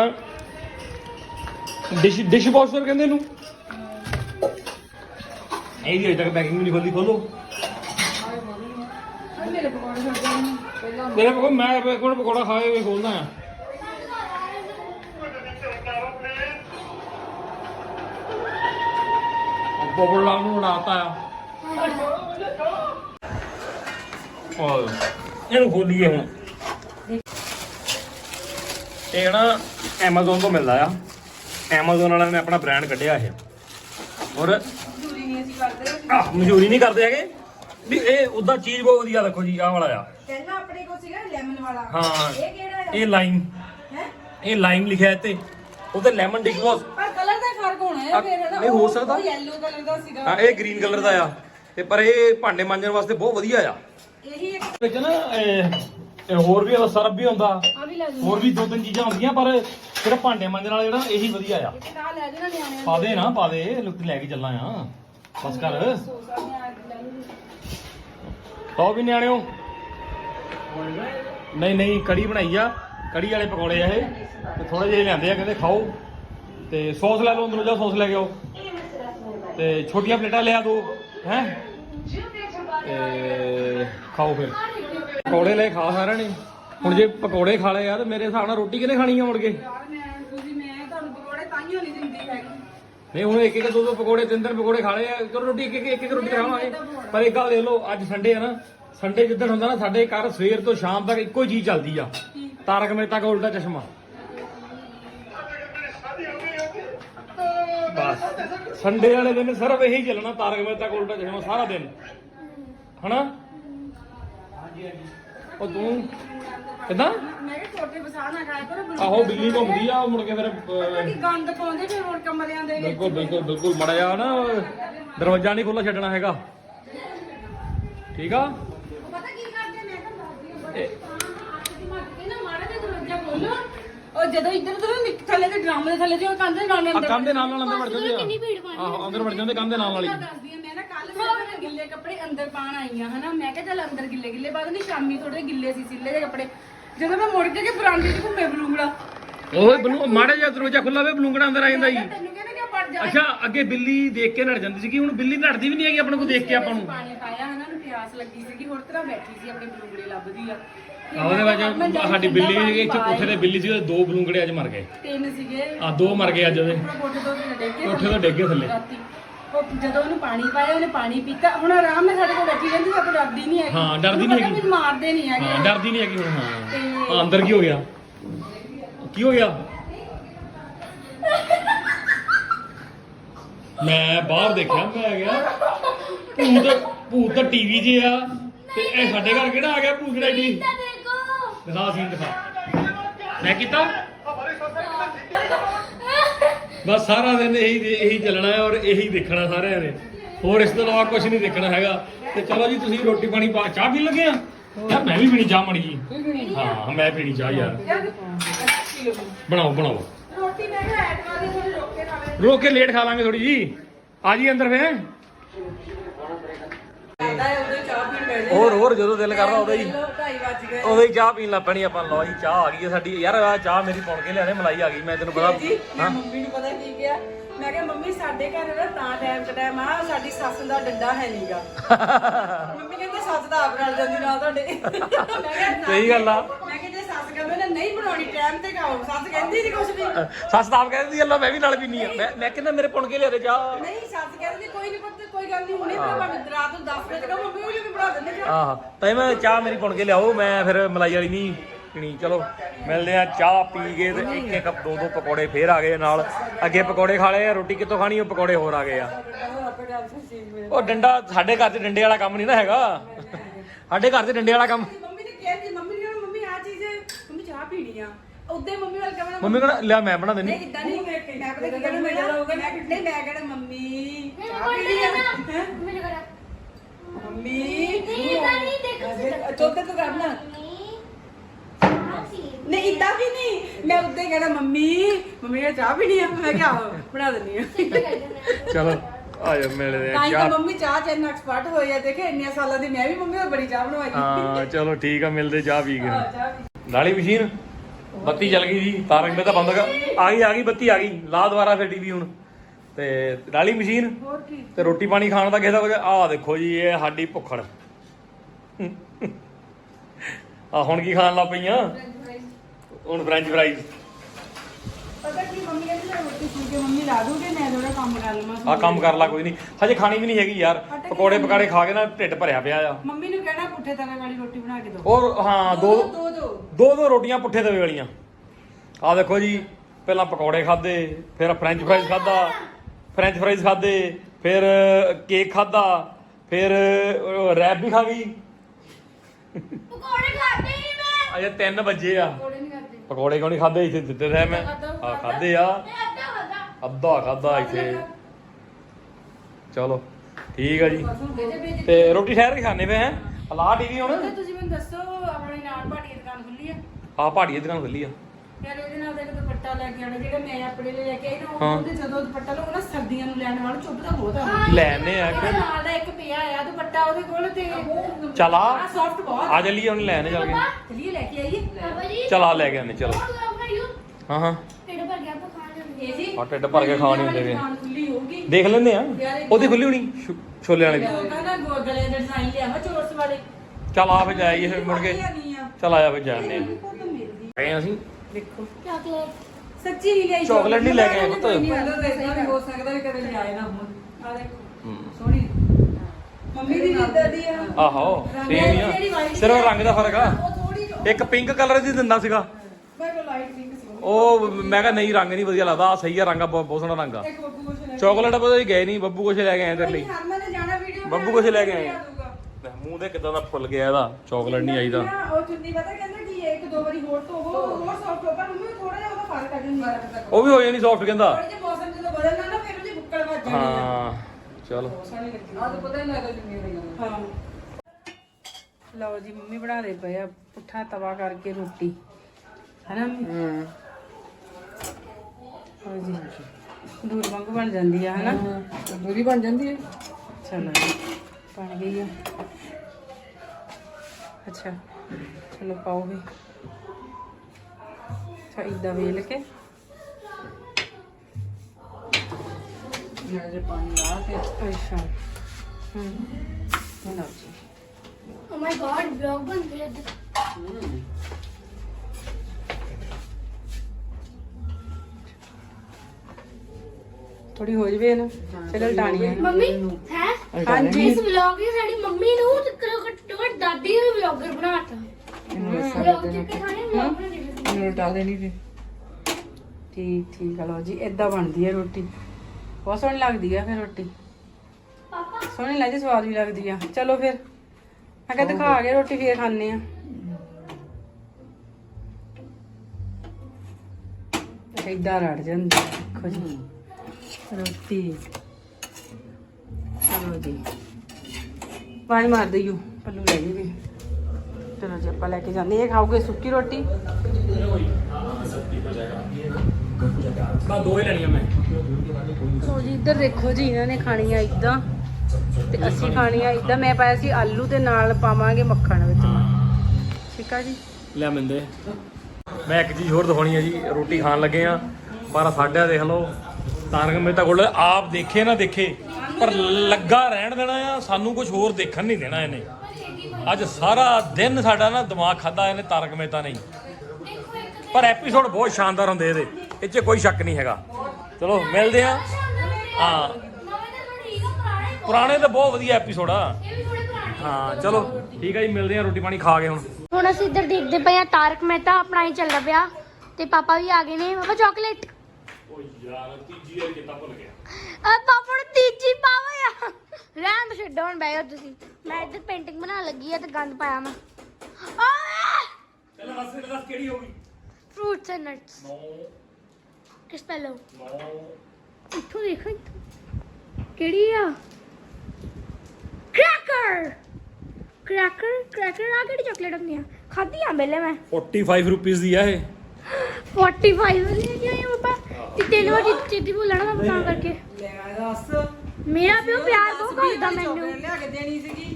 ਡਿਸ਼ ਡਿਸ਼ ਵਾਸ਼ਰ ਕਹਿੰਦੇ ਇਹਨੂੰ। ਇਹਦੀ ਅਜੇ ਤੱਕ ਪੈਕਿੰਗ ਵੀ ਨਹੀਂ ਖੋਲੀ। ਖੋਲੋ
ਮੇਰੇ ਪਕੌੜੇ ਛੱਡਦੇ ਨੇ ਪਹਿਲਾਂ
ਮੇਰੇ ਕੋਲ ਮੈਂ ਇੱਕ ਮਿੰਟ ਪਕੌੜਾ ਖਾ ਕੇ ਖੋਲਦਾ ਆ। ਬਬਲ ਲਾਲ ਨੂੰ ਬਣਾਤਾ ਆ। ਔਰ ਇਹਨੂੰ ਖੋਲੀਏ ਹੁਣ। ਇਹ ਨਾ Amazon ਤੋਂ ਮਿਲਦਾ ਆ। Amazon ਵਾਲਿਆਂ ਨੇ ਆਪਣਾ ਬ੍ਰਾਂਡ ਕੱਢਿਆ ਇਹ। ਔਰ
ਮਜ਼ਦੂਰੀ ਨਹੀਂ ਅਸੀਂ ਕਰਦੇ
ਆਹ ਮਜ਼ਦੂਰੀ ਨਹੀਂ ਕਰਦੇ ਹੈਗੇ ਵੀ ਇਹ ਉਦਾਂ ਚੀਜ਼ ਬਹੁਤ ਵਧੀਆ। ਦੇਖੋ ਜੀ ਆਹ ਵਾਲਾ ਆ।
ਪਹਿਲਾਂ ਆਪਣੇ ਕੋਲ ਸੀਗਾ ਲੈਮਨ ਵਾਲਾ।
ਹਾਂ
ਇਹ ਕਿਹੜਾ ਹੈ?
ਇਹ ਲਾਈਮ
ਹੈ
ਇਹ ਲਾਈਮ ਲਿਖਿਆ ਇੱਥੇ। ਉਹਤੇ ਲੈਮਨ ਡਿਸ਼ ਵਾਸ਼।
ਪਰ ਕਲਰ ਦਾ ਫਰਕ ਹੋਣਾ ਹੈ ਫਿਰ ਨਾ।
ਨਹੀਂ ਹੋ ਸਕਦਾ।
ਯੈਲੋ ਕਲਰ ਦਾ ਸੀਗਾ।
ਹਾਂ ਇਹ ਗ੍ਰੀਨ ਕਲਰ ਦਾ ਆ। ਤੇ ਪਰ ਇਹ ਭਾਂਡੇ ਮਾਂਜਣ ਵਾਸਤੇ ਬਹੁਤ ਵਧੀਆ ਆ।
ਇਹੀ ਇੱਕ
ਵਿੱਚ ਨਾ ਇਹ ਇਹ ਹੋਰ ਵੀ ਸਰਫ ਵੀ ਹੁੰਦਾ।
ਆ ਵੀ ਲੈ ਜਾਓ।
ਹੋਰ ਵੀ ਦੋ ਤਿੰਨ ਚੀਜ਼ਾਂ ਹੁੰਦੀਆਂ ਪਰ ਸਿਰਫ ਭਾਂਡੇ ਮਾਂਜਣ ਵਾਲਾ ਜਿਹੜਾ ਇਹੀ ਵਧੀਆ ਆ।
ਇੱਕ ਆ ਲੈ ਜਾਣਾ ਨਿਆਣਿਆਂ
ਪਾ ਦੇ ਨਾ ਪਾ ਦੇ ਲੁੱਟ ਲੈ ਕੇ ਚੱਲਾਂ ਆ। ਬਸ ਕਰ ਤੋ ਵੀ ਨਿਆਣਿਓ। ਨਹੀਂ ਨਹੀਂ ਕੜੀ ਬਣਾਈ ਆ। ਕੜੀ ਵਾਲੇ ਪਕੌੜੇ ਆ ਇਹ। ਤੇ ਥੋੜੇ ਜਿਹੇ ਲਿਆਂਦੇ ਆ ਕਹਿੰਦੇ ਖਾਓ। ਤੇ ਸੌਸ ਲੈ ਲਓ ਅੰਦਰੋਂ ਜਾ ਸੌਸ ਲੈ ਕੇ ਆਓ। ਤੇ ਛੋਟੀਆਂ ਪਲੇਟਾਂ ਲਿਆ ਦੋ ਹੈ ਤੇ ਖਾਓ ਫਿਰ। ਪਕੌੜੇ ਲੈ ਖਾ ਸਾਰਿਆਂ ਨੇ। ਹੁਣ ਜੇ ਪਕੌੜੇ ਖਾ ਲਏ ਆ ਤੇ ਮੇਰੇ ਹਿਸਾਬ ਨਾਲ ਰੋਟੀ ਕਿਹਨੇ ਖਾਣੀ ਆ ਮੁੜ ਕੇ?
ਯਾਰ ਮੈਂ ਤੁਸੀਂ ਮੈਂ ਤੁਹਾਨੂੰ ਪਕੌੜੇ ਤਾਂ ਹੀ ਨਹੀਂ ਦਿੰਦੀ ਹੈਗੀ।
ਨਹੀਂ ਹੁਣ ਇੱਕ ਇੱਕ ਦੋ ਦੋ ਪਕੌੜੇ ਤਿੰਨ ਤਿੰਨ ਪਕੌੜੇ ਖਾ ਲਏ ਆ। ਚਲੋ ਰੋਟੀ ਇੱਕ ਇੱਕ ਇੱਕ ਇੱਕ ਰੋਟੀ ਖਾਵਾਂਗੇ। ਪਰ ਇੱਕ ਗੱਲ ਦੇਖ ਲਓ ਅੱਜ ਸੰਡੇ ਆ ਨਾ। ਸੰਡੇ ਜਿੱਦਣ ਹੁੰਦਾ ਨਾ ਸਾਡੇ ਘਰ ਸਵੇਰ ਤੋਂ ਸ਼ਾਮ ਤੱਕ ਇੱਕੋ ਹੀ ਚੀਜ਼ ਚੱਲਦੀ ਆ। ਤਾਰਕ ਮਹਿਤਾ ਕਾ ਉਲਟਾ ਚਸ਼ਮਾ। ਬਸ ਸੰਡੇ ਵਾਲੇ ਦਿਨ ਸਿਰਫ ਇਹੀ ਚੱਲਣਾ ਤਾਰਕ ਮਹਿਤਾ ਕਾ ਉਲਟਾ ਚਸ਼ਮਾ ਸਾਰਾ ਦਿਨ ਹਨਾ। ਉਹ ਤੂੰ ਕਿੱਦਾਂ?
ਮੈਂ ਕਿਹਾ ਛੋਟੇ ਵਸਾ ਨਾ ਖਾਇਆ ਕਰੋ।
ਆਹੋ ਬਿੱਲੀ ਘੁੰਮਦੀ ਆ ਮੁੜ ਕੇ ਫਿਰ ਅਹ,
ਕਿ ਗੰਦ ਪਾਉਂਦੇ ਫਿਰ ਹੋਰ ਕਮਰਿਆਂ ਦੇ ਵਿੱਚ।
ਬਿਲਕੁਲ ਬਿਲਕੁਲ ਬਿਲਕੁਲ ਮੜਾ ਜਾ ਨਾ ਦਰਵਾਜ਼ਾ ਨਹੀਂ ਖੁੱਲਾ ਛੱਡਣਾ ਹੈਗਾ। ਠੀਕ ਆ।
ਪਤਾ ਕੀ ਕਰਦੇ ਮੈਂ ਤਾਂ ਦੱਸਦੀ
ਇਹ-
ਹਾਂ ਨਾ ਮਾੜਾ ਜਿਹਾ ਦਰਵਾਜ਼ਾ ਖੋਲੋ। ਉਹ ਜਦੋਂ ਇੱਧਰ ਉਧਰ ਥੱਲੇ ਦੇ ਡਰਮ ਦੇ ਥੱਲੇ ਜਿਉਂ ਕੰਧ ਨਾਲ
ਆ
ਅੰਦਰ
ਕੰਧ ਦੇ ਨਾਲ ਨਾਲ ਅੰਦਰ ਵੜ ਜਾਂਦੇ
ਕਿੰਨੀ ਭੀੜ ਪਾਣੀ
ਆ। ਆਹੋ ਅੰਦਰ ਵੜ ਜਾਂਦੇ ਕੰਧ ਦੇ ਨਾਲ ਨਾਲ ਹੀ।
ਦੱਸਦੀ ਆ ਮੈਂ ਨਾ ਕੱਲ ਮੈਂ ਗਿੱਲੇ ਕੱਪੜੇ ਅੰਦਰ ਪਾਣ ਆਈ ਆ ਹਨਾ। ਮੈਂ ਕਿਹਾ ਚੱਲ ਅੰਦਰ ਗਿੱਲੇ ਗਿੱਲੇ ਬਾਅਦ ਨਹੀਂ ਸ਼ਾਮੀ ਥੋੜੇ ਗਿੱਲੇ ਸੀ ਸਿੱਲੇ ਜਿਹੇ ਕੱਪੜੇ। ਜਦੋਂ ਮੈਂ ਮੁੜ ਕੇ ਕਿ ਬਰਾਂਡੇ 'ਚ ਘੁੰਮੇ ਬਲੂੰਗੜਾ।
ਓਏ ਬਲੂ ਮਾੜਾ ਜਿਹਾ ਦਰਵਾਜ਼ਾ ਖੁੱਲਾ ਵੇ ਬਲੂੰਗੜਾ ਅੰਦਰ ਆ ਜਾਂਦਾ ਜੀ।
ਤੈਨੂੰ ਕਹਿੰਦੇ ਕਿ ਪੜ ਜਾ।
ਅੱਛਾ ਅੱਗੇ ਬਿੱਲੀ ਦੇਖ ਕੇ ਨੜ ਜਾਂਦੀ ਸੀਗੀ। ਹੁਣ ਬਿੱਲੀ ਨੜਦੀ ਵੀ ਨਹੀਂ ਹੈਗੀ ਆਪਣੇ ਕੋਲ ਦੇਖ ਕੇ ਆਪਾਂ ਨੂੰ।
ਪਾਣੀ ਪਾਇਆ ਹਨਾ ਨੂੰ ਪਿਆਸ ਲੱਗੀ ਸੀਗੀ ਹੋਰ ਤਰ੍ਹਾਂ ਬੈਠੀ ਸੀ ਆਪਣੇ ਬਲੂੰਗੜੇ ਲੱਭਦੀ ਆ।
ਆ ਉਹਦੇ ਵਿੱਚ ਸਾਡੀ ਬਿੱਲੀ ਸੀਗੀ ਇੱਥੇ ਕੋਠੇ ਤੇ ਬਿੱਲੀ ਸੀ ਉਹਦੇ ਦੋ ਬਲੂੰਗੜੇ ਅੱਜ ਮਰ ਗਏ।
ਤਿੰਨ ਸੀਗੇ
ਆ ਦੋ ਮਰ ਗਏ ਅੱਜ ਉਹਦੇ
ਕੋਠੇ ਤੋਂ ਡੇਗੇ
ਕੋਠੇ ਤੋਂ ਡਿੱਗ ਗਏ ਥੱਲੇ।
ਰਾਤੀ ਉਹ ਜਦੋਂ ਉਹਨੂੰ ਪਾਣੀ ਪਾਇਆ ਉਹਨੇ ਪਾਣੀ ਪੀਤਾ। ਹੁਣ ਆਰਾਮ ਨਾਲ ਸਾਡੇ ਕੋਲ ਬੈਠੀ ਰਹਿੰਦੀ ਸੀ। ਆਪਾਂ ਡਰਦੀ ਨਹੀਂ ਹੈਗੀ।
ਹਾਂ ਡਰਦੀ ਨਹੀਂ ਹੈਗੀ।
ਮੈਨੂੰ ਮਾਰਦੇ ਨਹੀਂ ਹੈਗੇ।
ਹਾਂ ਡਰਦੀ ਨਹੀਂ ਹੈਗੀ ਹੁਣ। ਹਾਂ ਆ ਅੰਦਰ ਕੀ ਹੋ ਗਿਆ? ਕੀ ਹੋ ਗਿਆ? ਮੈਂ ਬਾਹਰ ਦੇਖਿਆ ਮੈਂ ਗਿਆ ਭੂਤ ਭੂਤ ਤਾਂ ਟੀਵੀ 'ਚ ਆ ਤੇ ਇਹ ਸਾਡੇ ਘਰ ਕਿਹੜਾ ਆ ਗਿਆ ਭੂਤ ਜਿਹੜਾ ਜੀ? ਦਿਖਾ ਸੀਨ ਦਿਖਾ। ਮੈਂ ਕੀਤਾ ਬਸ ਸਾਰਾ ਦਿਨ ਇਹੀ ਇਹੀ ਚੱਲਣਾ ਹੈ ਔਰ ਇਹੀ ਦੇਖਣਾ ਸਾਰਿਆਂ ਨੇ। ਹੋਰ ਇਸ ਤੋਂ ਇਲਾਵਾ ਕੁਝ ਨਹੀਂ ਦੇਖਣਾ ਹੈਗਾ। ਤੇ ਚਲੋ ਜੀ ਤੁਸੀਂ ਰੋਟੀ ਪਾਣੀ ਪਾ ਚਾਹ ਪੀਣ ਲੱਗੇ ਆ? ਯਾਰ ਮੈਂ ਵੀ ਪੀਣੀ ਚਾਹ ਮੜੀ ਜੀ। ਹਾਂ ਮੈਂ ਪੀਣੀ ਚਾਹ ਯਾਰ। ਬਣਾਓ ਬਣਾਓ।
ਰੋਟੀ ਮੈਂ ਕਿਹਾ ਐਤਵਾਰ ਦੀ ਥੋੜੀ ਰੋਕ ਕੇ ਖਾਵੇ।
ਰੋਕ ਕੇ ਲੇਟ ਖਾ ਲਾਂਗੇ ਥੋੜੀ ਜੀ। ਆ ਜੀ ਅੰਦਰ ਫੇਰ। ਹੋਰ ਹੋਰ ਜਦੋਂ ਦਿਲ ਕਰਦਾ ਉਦੋਂ ਹੀ ਉਦੋਂ ਹੀ ਚਾਹ ਪੀਣ ਲੱਗ ਪੈਣੀ ਆਪਾਂ। ਲਓ ਜੀ ਚਾਹ ਆ ਗਈ ਹੈ ਸਾਡੀ। ਯਾਰ ਆ ਚਾਹ ਮੇਰੀ ਪੁਣ ਕੇ ਲਿਆਣੇ ਮਲਾਈ ਆ ਗਈ। ਮੈਂ ਤੈਨੂੰ ਪਤਾ
ਮੈਂ ਮੰਮੀ ਨੂੰ ਪਤਾ ਕੀ ਕਿਹਾ ਮੈਂ ਕਿਹਾ ਮੰਮੀ ਸਾਡੇ ਘਰ ਨਾ ਤਾਂ ਟਾਈਮ ਤੇ ਟਾਈਮ ਆ ਸਾਡੀ ਸੱਸ ਦਾ ਡੰਡਾ ਹੈ ਨਹੀਂਗਾ। ਮੰਮੀ ਕਹਿੰਦੇ ਸੱਸ ਦਾ ਆਪ ਰਲ ਜਾਂਦੀ ਨਾਲ ਤੁਹਾਡੇ। ਮੈਂ ਕਿਹਾ
ਸਹੀ ਗੱਲ ਆ।
ਮੈਂ ਕਿਹਾ ਜੇ ਸੱਸ ਕਹਵੇ ਨਾ ਨਹੀਂ ਬਣਾਉਣੀ ਟਾਈਮ ਤੇ ਖਾਓ ਸੱਸ ਕਹਿੰਦੀ ਨਹੀਂ ਕੁਝ ਵੀ
ਸੱਸ ਤਾਂ ਆਪ ਕਹਿੰਦੀ ਅੱਲਾ ਮੈਂ ਵੀ ਨਾਲ ਪੀਣੀ ਆ ਮੈਂ ਮੈਂ ਕਹਿੰਦਾ ਮੇਰੇ ਪੁਣ ਕੇ ਲਿਆ ਦੇ ਚਾਹ
ਨਹੀਂ ਸੱਸ ਕਹਿੰਦੀ ਕੋਈ ਨਹੀਂ ਪੁੱਤ ਕੋਈ ਗੱਲ ਨਹੀਂ ਹੁਣੇ ਬਣਾ ਰਾਤ ਨੂੰ ਦਸ ਵਜੇ ਤੱਕ ਮੰਮੀ ਉਹ ਵੀ ਬਣਾ ਦਿੰਦੇ ਚਾਹ
ਆਹ ਤਾਂ ਮੈਂ ਚਾਹ ਮੇਰੀ ਪੁਣ ਕੇ ਲਿਆਓ ਮੈਂ ਫਿਰ ਮਲਾਈ ਵਾਲੀ ਨਹੀਂ ਪੀਣੀ ਚਲੋ ਮਿਲਦੇ ਆ ਚਾਹ ਪੀ ਕੇ ਤੇ ਇੱਕ ਇੱਕ ਦੋ ਦੋ ਪਕੌੜੇ ਫੇਰ ਆ ਗਏ ਨਾਲ ਅੱਗੇ ਪਕੌੜੇ ਖਾ ਲਏ ਆ ਰੋਟੀ ਕਿੱਥੋਂ ਖਾਣੀ ਉਹ ਪਕੌੜੇ ਹੋਰ ਆ ਗਏ ਆ ਉਹ ਡੰਡਾ ਸਾਡੇ ਘਰ 'ਚ ਡੰਡੇ ਵਾਲਾ ਕੰਮ ਨਹੀਂ ਨਾ ਹੈਗਾ ਸਾਡੇ ਘਰ 'ਚ ਡੰਡੇ ਵਾਲਾ ਕੰਮ
ਮੰਮੀ ਨੇ ਕਿਹਾ ਸੀ ਮੰਮੀ ਨੇ ਮੰਮੀ ਆ ਚੀਜ਼ ਮੰਮੀ ਚਾਹ ਪੀਣੀ ਆ ਉਦੋਂ ਮੰਮੀ ਵੱਲ ਕਹਿੰਦਾ
ਮੰਮੀ ਕਹਿੰਦਾ ਲਿਆ ਮੈਂ ਬਣਾ ਦੇਣੀ
ਨਹੀਂ ਇਦਾਂ ਨਹੀਂ ਮੈਂ ਪਤਾ ਕੀ ਕਹਿਣਾ ਮੈਂ ਲਾਊਗਾ ਮੈਂ ਨਹੀਂ ਮੈਂ ਕਹਿੰਦਾ ਮੰਮੀ ਚਾਹ ਪੀਣੀ ਆ ਹੈ
ਮੈਨੂੰ ਕਰਾ
ਮੰਮੀ
ਨਹੀਂ ਇਦਾਂ ਨਹੀਂ ਦੇਖ
ਚੋਤੇ ਤੂੰ ਕਰਨਾ ਨਹੀਂ ਇਦਾਂ ਵੀ ਨਹੀਂ ਮੈਂ ਉੱਤੇ ਕਹਿਣਾ ਮੰਮੀ ਮੰਮੀ ਨੇ ਚਾਹ ਪੀਣੀ ਆ ਮੈਂ ਕਿਹਾ ਆਹੋ ਬਣਾ ਦਿੰਦੀ ਆ
ਚਲੋ ਆ ਜਾ ਮਿਲਦੇ ਆ
ਤਾਂ ਹੀ ਤਾਂ
ਚਾਹ
ਮੰਮੀ ਚਾਹ ਚ ਇੰਨਾ ਐਕਸਪਰਟ ਹੋਈ ਆ ਦੇਖੇ ਇੰਨੇ ਸਾਲਾਂ ਦੀ ਮੈਂ ਵੀ ਮੰਮੀ ਨਾਲ ਬੜੀ ਚਾਹ ਬਣਵਾਈ
ਹਾਂ ਚਲੋ ਠੀਕ ਆ ਮਿਲਦੇ ਚਾਹ ਪੀ ਕੇ
ਚਾਹ ਪੀ
ਨਾਲੀ ਮਸ਼ੀਨ ਬੱਤੀ ਚੱਲ ਗਈ ਜੀ ਤਾਰਕ ਮੇ ਤਾਂ ਬੰਦ ਕਰ ਆ ਗਈ ਆ ਗਈ ਬੱਤੀ ਆ ਗਈ ਲਾ ਦੁਬਾਰਾ ਫਿਰ ਟੀਵੀ ਹੁਣ ਤੇ ਨਾਲੀ ਮਸ਼ੀਨ
ਹੋਰ ਕੀ
ਤੇ ਰੋਟੀ ਪਾਣੀ ਖਾਣ ਦਾ ਕਿਸੇ ਦਾ ਕੁਝ ਆਹ ਦੇਖੋ ਜੀ ਇਹ ਸਾਡੀ ਭੁੱਖੜ ਆ ਹੁਣ ਕੀ ਖਾਣ ਲੱਗ ਪਈਆਂ ਹੁਣ ਫ੍ਰੈਂਚ ਫਰਾਈਜ਼
ਪਤਾ ਕੀ ਮੰਮੀ ਕਹਿੰਦੀ ਮੈਂ ਰੋਟੀ ਖਾ ਕੇ ਮੰਮੀ ਲਾ ਦੂਗੇ ਮੈਂ ਥੋੜਾ ਕੰਮ ਕਰ ਲਵਾਂ
ਆ ਕੰਮ ਕਰ ਲਾ ਕੋਈ ਨਹੀਂ ਹਜੇ ਖਾਣੀ ਵੀ ਨਹੀਂ ਹੈਗੀ ਯਾਰ ਪਕੌੜੇ ਪਕਾੜੇ ਖਾ ਕੇ ਨਾ ਢਿੱਡ ਭਰਿਆ ਪਿਆ ਆ
ਮੰਮੀ ਨੂੰ ਕਹਿਣਾ ਪੁੱਠੇ ਤਵੇ ਵਾਲੀ ਰੋਟੀ ਬਣਾ ਕੇ ਦਿਓ
ਔਰ ਹਾਂ ਦੋ
ਦੋ ਦੋ
ਦੋ ਦੋ ਰੋਟੀਆਂ ਪੁੱਠੇ ਤਵੇ ਵਾਲੀਆਂ ਆ ਦੇਖੋ ਜੀ ਪਹਿਲਾਂ ਪਕੌੜੇ ਖਾਦੇ ਫਿਰ ਫ੍ਰੈਂਚ ਫਰਾਈਜ਼ ਖਾਦਾ ਫ੍ਰੈਂਚ ਫਰਾਈਜ਼ ਖਾਦੇ ਫਿਰ ਕੇਕ ਖਾਦਾ ਫਿਰ ਰੈਪ ਵੀ ਖਾ ਗਈ
ਪਕੌੜੇ ਖਾਦੇ ਨਹੀਂ ਮੈਂ
ਅਜੇ ਤਿੰਨ ਵਜੇ ਆ
ਕੋੜੇ ਨਹੀਂ ਕਰਦੇ
ਪਕੌੜੇ ਕਿਉਂ ਨਹੀਂ ਖਾਦੇ ਇੱਥੇ ਦਿੱਤੇ ਰਹਿ ਮੈਂ ਆ ਖਾਦੇ ਆ
ਮੈਂ ਅੱਧਾ ਖਾਦਾ
ਅੱਧਾ ਖਾਦਾ ਇੱਥੇ ਚਲੋ ਠੀਕ ਆ ਜੀ ਤੇ ਰੋਟੀ ਠਹਿਰ ਕੇ ਖਾਣੇ ਪਏ ਹੈ ਅਲਾ ਟੀਵੀ ਹੁਣ
ਤੁਸੀਂ ਮੈਨੂੰ ਦੱਸੋ ਆਪਣੇ ਨਾਲ ਭਾਟੀ ਦੀ ਦੁਕਾਨ ਖੁੱਲੀ ਆ
ਆ ਪਹਾੜੀ ਦੀ ਦੁਕਾਨ ਖੁੱਲੀ ਆ
ਯਾਰ ਇਹਦੇ ਨਾਲ ਦਾ ਇੱਕ ਦੁਪੱਟਾ ਲੈ ਕੇ ਆਣਾ ਜਿਹੜਾ ਮੈਂ ਆਪਣੇ ਲਈ ਲੈ ਕੇ ਆਈ ਨਾ
ਹਾਂ।
ਉਹਦੇ ਜਦੋਂ ਦੁਪੱਟਾ ਲਓ ਨਾ ਸਰਦੀਆਂ ਨੂੰ ਲੈਣ ਵਾਲਾ ਚੁੱਭਦਾ ਬਹੁਤ ਆ
ਲੈਣੇ ਆ
ਉਹਦੇ ਨਾਲ ਦਾ ਇੱਕ ਪਿਆ ਆ ਦੁਪੱਟਾ ਉਹਦੇ ਕੋਲ ਤੇ
ਚਲ ਆ
ਆ ਸੌਫਟ ਬਹੁਤ
ਆ ਜੱਲੀ ਹੁਣ ਲੈਣੇ ਚੱਲ ਕੇ
ਚਲਿਏ ਲੈ ਕੇ ਆਈਏ
ਬਾਬਾ ਜੀ
ਚਲ ਆ ਲੈ ਕੇ ਆਨੇ ਚਲੋ ਹਾਂ ਹਾਂ
ਢਿੱਡ ਭਰ ਗਿਆ ਆਪਾਂ ਖਾ ਜਾਂਦੇ
ਇਹ ਜੀ
ਆ ਢਿੱਡ ਭਰ ਕੇ ਖਾਣ ਨਹੀਂ ਹੁੰਦੇ ਵੇ
ਦੁਕਾਨ ਖੁੱਲੀ ਹੋਊਗੀ
ਦੇਖ ਲੈਂਦੇ ਆ ਉਹਦੀ ਖੁੱਲੀ ਹੋਣੀ ਛੋ- ਛੋਲੇ ਵਾਲੇ ਦੀ
ਉਹ ਕਹਿੰਦਾ ਗੋ- ਗਲੇ ਦੇ ਡਿਜ਼ਾਈਨ ਲਿਆਵਾ ਚੋਰਸ ਵਾਲੇ
ਚਲ ਆ ਫਿਰ ਜਾਈਏ ਫਿਰ ਮੁੜ ਕੇ
ਨਹੀਂ ਆ
ਚਲ ਆਇਆ ਫਿਰ ਜਾਂਦੇ ਆ
ਮਿਲਦੀ
ਗਏ ਅਸੀਂ
ਦੇਖੋ
ਚਾਕਲੇਟ
ਸੱਚੀ ਨਹੀਂ ਲਿਆਈ
ਚਾਕਲੇਟ ਨਹੀਂ ਲੈ ਕੇ ਆਏ ਪੁੱਤ।
ਕੋਈ ਨਹੀਂ ਹਲੋ ਦੇਖਦਾ ਵੀ ਹੋ ਸਕਦਾ ਵੀ ਕਦੇ ਲਿਆਏ ਨਾ ਹੁਣ ਆ ਦੇਖੋ
ਹੂੰ।
ਸੋਹਣੀ ਮੰਮੀ ਦੀ ਵੀ ਇਦਾਂ ਦੀ ਆ
ਆਹੋ ਸੇਮ ਹੀ ਆ ਸਿਰਫ ਰੰਗ ਦਾ ਫਰਕ ਆ
ਉਹ ਥੋੜੀ ਜਿਹੀ
ਇੱਕ ਪਿੰਕ ਕਲਰ ਦੀ ਦਿੰਦਾ ਸੀਗਾ
ਮੇਰੇ ਕੋਲ ਲਾਈਟ ਪਿੰਕ ਸੀ
ਉਹ ਮੈਂ ਕਿਹਾ ਨਹੀਂ ਰੰਗ ਨਹੀਂ ਵਧੀਆ ਲੱਗਦਾ ਆ ਸਹੀ ਆ ਰੰਗ ਆ ਬਹੁਤ ਬਹੁਤ ਸੋਹਣਾ ਰੰਗ ਆ
ਇੱਕ ਬੱਬੂ ਕੁਛ ਲੈ
ਚਾਕਲੇਟ ਪਤਾ ਹੀ ਗਏ ਨਹੀਂ ਬੱਬੂ ਕੁਛ ਲੈ ਕੇ ਆਏ ਤੇਰੇ ਲਈ
ਹਰਮਨ ਨੇ ਜਾਣਾ ਵੀਡੀਓ
ਬੱਬੂ ਕੁਛ ਲੈ ਕੇ ਆਏ ਮੂੰਹ ਦੇ ਕਿਦਾਂ ਦਾ ਫੁੱਲ ਗਿਆ ਇਹਦਾ ਚਾਕਲੇਟ ਨਹੀਂ ਆਈਦਾ
ਉਹ ਚੁੰਨੀ ਪਤਾ ਕਹਿੰਦਾ ਕਿ ਇੱਕ ਦੋ ਵਾਰੀ ਹੋਰ ਤੋਂ ਉਹ ਹੋਰ ਸੌਫਟ ਹੋ ਪਰ ਮੰਮੀ ਥੋੜਾ ਜਿਹਾ ਉਹਦਾ ਫਰਕ ਆ ਜਾਂਦਾ
ਉਹ ਵੀ ਹੋ ਜਾਣੀ ਸੌਫਟ ਕਹਿੰਦਾ
ਥੋੜੇ ਜਿਹਾ ਮੌਸਮ ਜਦੋਂ ਬਦਲਣਾ ਨਾ ਫਿਰ ਉਹਦੀ ਬੁੱਕਲ ਵੱਜ ਜਾਣੀ ਆ
ਹਾਂ ਚਲੋ
ਸੋਹਣੀ ਲੱਗੀ ਆ ਤਾਂ ਪਤਾ ਹੀ ਲੱਗਦਾ ਚੁੰਨੀ ਦਾ ਹਾਂ ਲਓ ਜੀ ਮੰਮੀ ਬਣਾ ਦੇ ਪਏ ਆ ਪੁੱਠਾ ਤਵਾ ਕਰਕੇ ਰੋਟੀ ਹੈਨਾ ਹੂੰ ਹਾਂ ਜੀ ਦੂਰ ਵਾਂਗ ਬਣ ਜਾਂਦੀ ਆ ਹੈਨਾ ਦੂਰੀ ਬਣ ਜਾਂਦੀ ਹੈ ਚਲੋ ਜੀ ਬਣ ਗਈ ਆ ਅੱਛਾ ਚਲੋ ਪਾਓ ਵੀ ਅੱਛਾ ਇਦਾਂ ਵੇਲ ਕੇ ਜੇ ਪਾਣੀ ਲਾ ਕੇ ਅੱਛਾ ਹੂੰ ਲਓ ਜੀ
ਓ ਮਾਈ ਗॉड ਵਲੌਗ ਬਣ ਰਿਹਾ ਹੈ
ਥੋੜੀ ਹੋ ਜਵੇ ਨਾ ਚਲੋ ਲਟਾਣੀ ਹੈ
ਮੰਮੀ ਹੈ
ਹਾਂਜੀ
ਇਸ ਵਲੌਗ ਨੇ ਸਾਡੀ ਮੰਮੀ ਨੂੰ ਤੇ ਘੱਟੋ ਘੱਟ ਦਾਦੀ ਨੂੰ ਵਲੌਗਰ ਬਣਾਤਾ ਵਲੌਗ ਚ ਕਿਥਾਣੇ ਵਲੌਗ ਬਣਾਉਂਦੇ
ਇਹਨੂੰ ਲਟਾ ਦੇਣੀ ਸੀ ਠੀਕ ਠੀਕ ਆ ਲਓ ਜੀ ਏਦਾਂ ਬਣਦੀ ਹੈ ਰੋਟੀ ਬਹੁਤ ਸੋਹਣੀ ਲੱਗਦੀ ਹੈ ਫਿਰ ਰੋਟੀ
ਪਾਪਾ
ਸੋਹਣੀ ਲੱਗਦੀ ਸਵਾਦ ਵੀ ਲੱਗਦੀ ਆ ਚਲੋ ਫਿਰ ਮੈਂ ਕਿਹਾ ਦਿਖਾ ਕੇ ਰੋਟੀ ਫੇਰ ਖਾਣੇ ਆ ਏਦਾਂ ਰੜ ਜਾਂਦੀ ਆ, ਦੇਖੋ ਜੀ ਰੋਟੀ ਚਲੋ ਜੀ ਪਾਣੀ ਮਾਰ ਦਈਓ ਪੱਲੂ ਲੈ ਜੀ ਵੀ ਚਲੋ ਜੀ ਆਪਾਂ ਲੈ ਕੇ ਜਾਂਦੇ ਇਹ ਖਾਓਗੇ ਸੁੱਕੀ ਰੋਟੀ
ਬਾ ਦੋ ਹੀ ਲੈਣੀਆਂ ਮੈਂ
ਸੋ ਜੀ ਇੱਧਰ ਦੇਖੋ ਜੀ ਇਹਨਾਂ ਨੇ ਖਾਣੀ ਆ ਇਦਾਂ ਤੇ ਅਸੀਂ ਖਾਣੀ ਆ ਇਦਾਂ ਮੈਂ ਪਾਇਆ ਸੀ ਆਲੂ ਤੇ ਨਾਲ ਪਾਵਾਂਗੇ ਮੱਖਣ ਵਿੱਚ ਠੀਕ ਆ ਜੀ
ਲੈ ਮਿੰਦੇ ਮੈਂ ਇੱਕ ਚੀਜ਼ ਹੋਰ ਦਿਖਾਉਣੀ ਹੈ ਜੀ ਰੋਟੀ ਖਾਣ ਲੱਗੇ ਆ ਪਰ ਸਾਡਾ ਦੇਖ ਲਓ ਤਾਰਕ ਮਹਿਤਾ ਕੋਲ ਆਪ ਦੇਖੇ ਨਾ ਦੇਖੇ ਪਰ ਲੱਗਾ ਰਹਿਣ ਦੇਣਾ ਆ ਸਾਨੂੰ ਕੁਝ ਹੋਰ ਦੇਖਣ ਨਹੀਂ ਦੇਣਾ ਇਹਨੇ ਅੱਜ ਸਾਰਾ ਦਿਨ ਸਾਡਾ ਨਾ ਦਿਮਾਗ ਖਾਦਾ ਇਹਨੇ ਤਾਰਕ ਮਹਿਤਾ ਨਹੀਂ
ਦੇਖੋ ਇੱਕ
ਪਰ ਐਪੀਸੋਡ ਬਹੁਤ ਸ਼ਾਨਦਾਰ ਹੁੰਦੇ ਇਹਦੇ, ਇਹ 'ਚ ਕੋਈ ਸ਼ੱਕ ਨਹੀਂ ਹੈਗਾ। ਚਲੋ ਮਿਲਦੇ ਆ। ਹਾਂ ਪੁਰਾਣੇ ਤਾਂ ਬਹੁਤ ਵਧੀਆ ਐਪੀਸੋਡ ਆ। ਹਾਂ ਚਲੋ ਠੀਕ ਹੈ ਜੀ, ਮਿਲਦੇ ਆ ਰੋਟੀ ਪਾਣੀ ਖਾ ਕੇ। ਹੁਣ
ਹੁਣ ਅਸੀਂ ਇੱਧਰ ਦੇਖਦੇ ਪਏ ਆ ਤਾਰਕ ਮਹਿਤਾ, ਆਪਣਾ ਹੀ ਚੱਲਦਾ ਪਿਆ ਤੇ ਪਾਪਾ ਵੀ ਆ ਗਏ ਨੇ। ਪਾਪਾ ਚਾਕਲੇਟ।
ਓ ਯਾਰ ਤੀਜੀ ਵਾਰ ਕਿਤਾ ਭੁੱਲ ਗਿਆ।
ਆ ਪਾਪਾ ਨੂੰ ਤੀਜੀ ਪਾਵਾ ਆ। ਰਹਿਣ ਦੋ, ਛੱਡੋ ਹੁਣ ਬਹਿ ਜਾਓ ਤੁਸੀਂ। ਮੈਂ ਇੱਧਰ ਪੇਂਟਿੰਗ ਬਣਾਉਣ ਲੱਗੀ ਆ ਤੇ ਗੰਦ ਪਾਇਆ ਮੈਂ।
ਚਲੋ ਦੱਸ ਦੱਸ ਕਿਹੜੀ ਹੋ ਗਈ?
Fruits and nuts.
ਨੋ
ਕਿਸ ਪਹਿਲੋ
ਨੋ
ਇੱਥੋਂ ਦੇਖੋ, ਇੱਥੋਂ ਕਿਹੜੀ ਆ? ਕ੍ਰੈਕਰ। ਕ੍ਰੈਕਰ ਕ੍ਰੈਕਰ ਆ ਕਿਹੜੀ ਚਾਕਲੇਟ ਹੁੰਦੀ ਆ? ਖਾਧੀ ਆ ਪਹਿਲੇ ਮੈਂ।
ਪੈਂਤਾਲੀ ਰੁਪਏ ਦੀ ਆ ਇਹ।
ਪੈਂਤਾਲੀ ਵਾਲੀ ਹੈ ਕਿਉਂ ਪਾਪਾ? ਤੇ ਤਿੰਨ ਵਾਰ ਚੀਤੀ ਭੁੱਲਣਾ ਮੈਂ ਤਾਂ ਕਰਕੇ।
ਲੈ ਦੱਸ,
ਮੇਰਾ ਪਿਓ ਪਿਆਰ ਬਹੁਤ ਕਰਦਾ ਮੈਨੂੰ।
ਲਿਆ ਕੇ ਦੇਣੀ ਸੀਗੀ।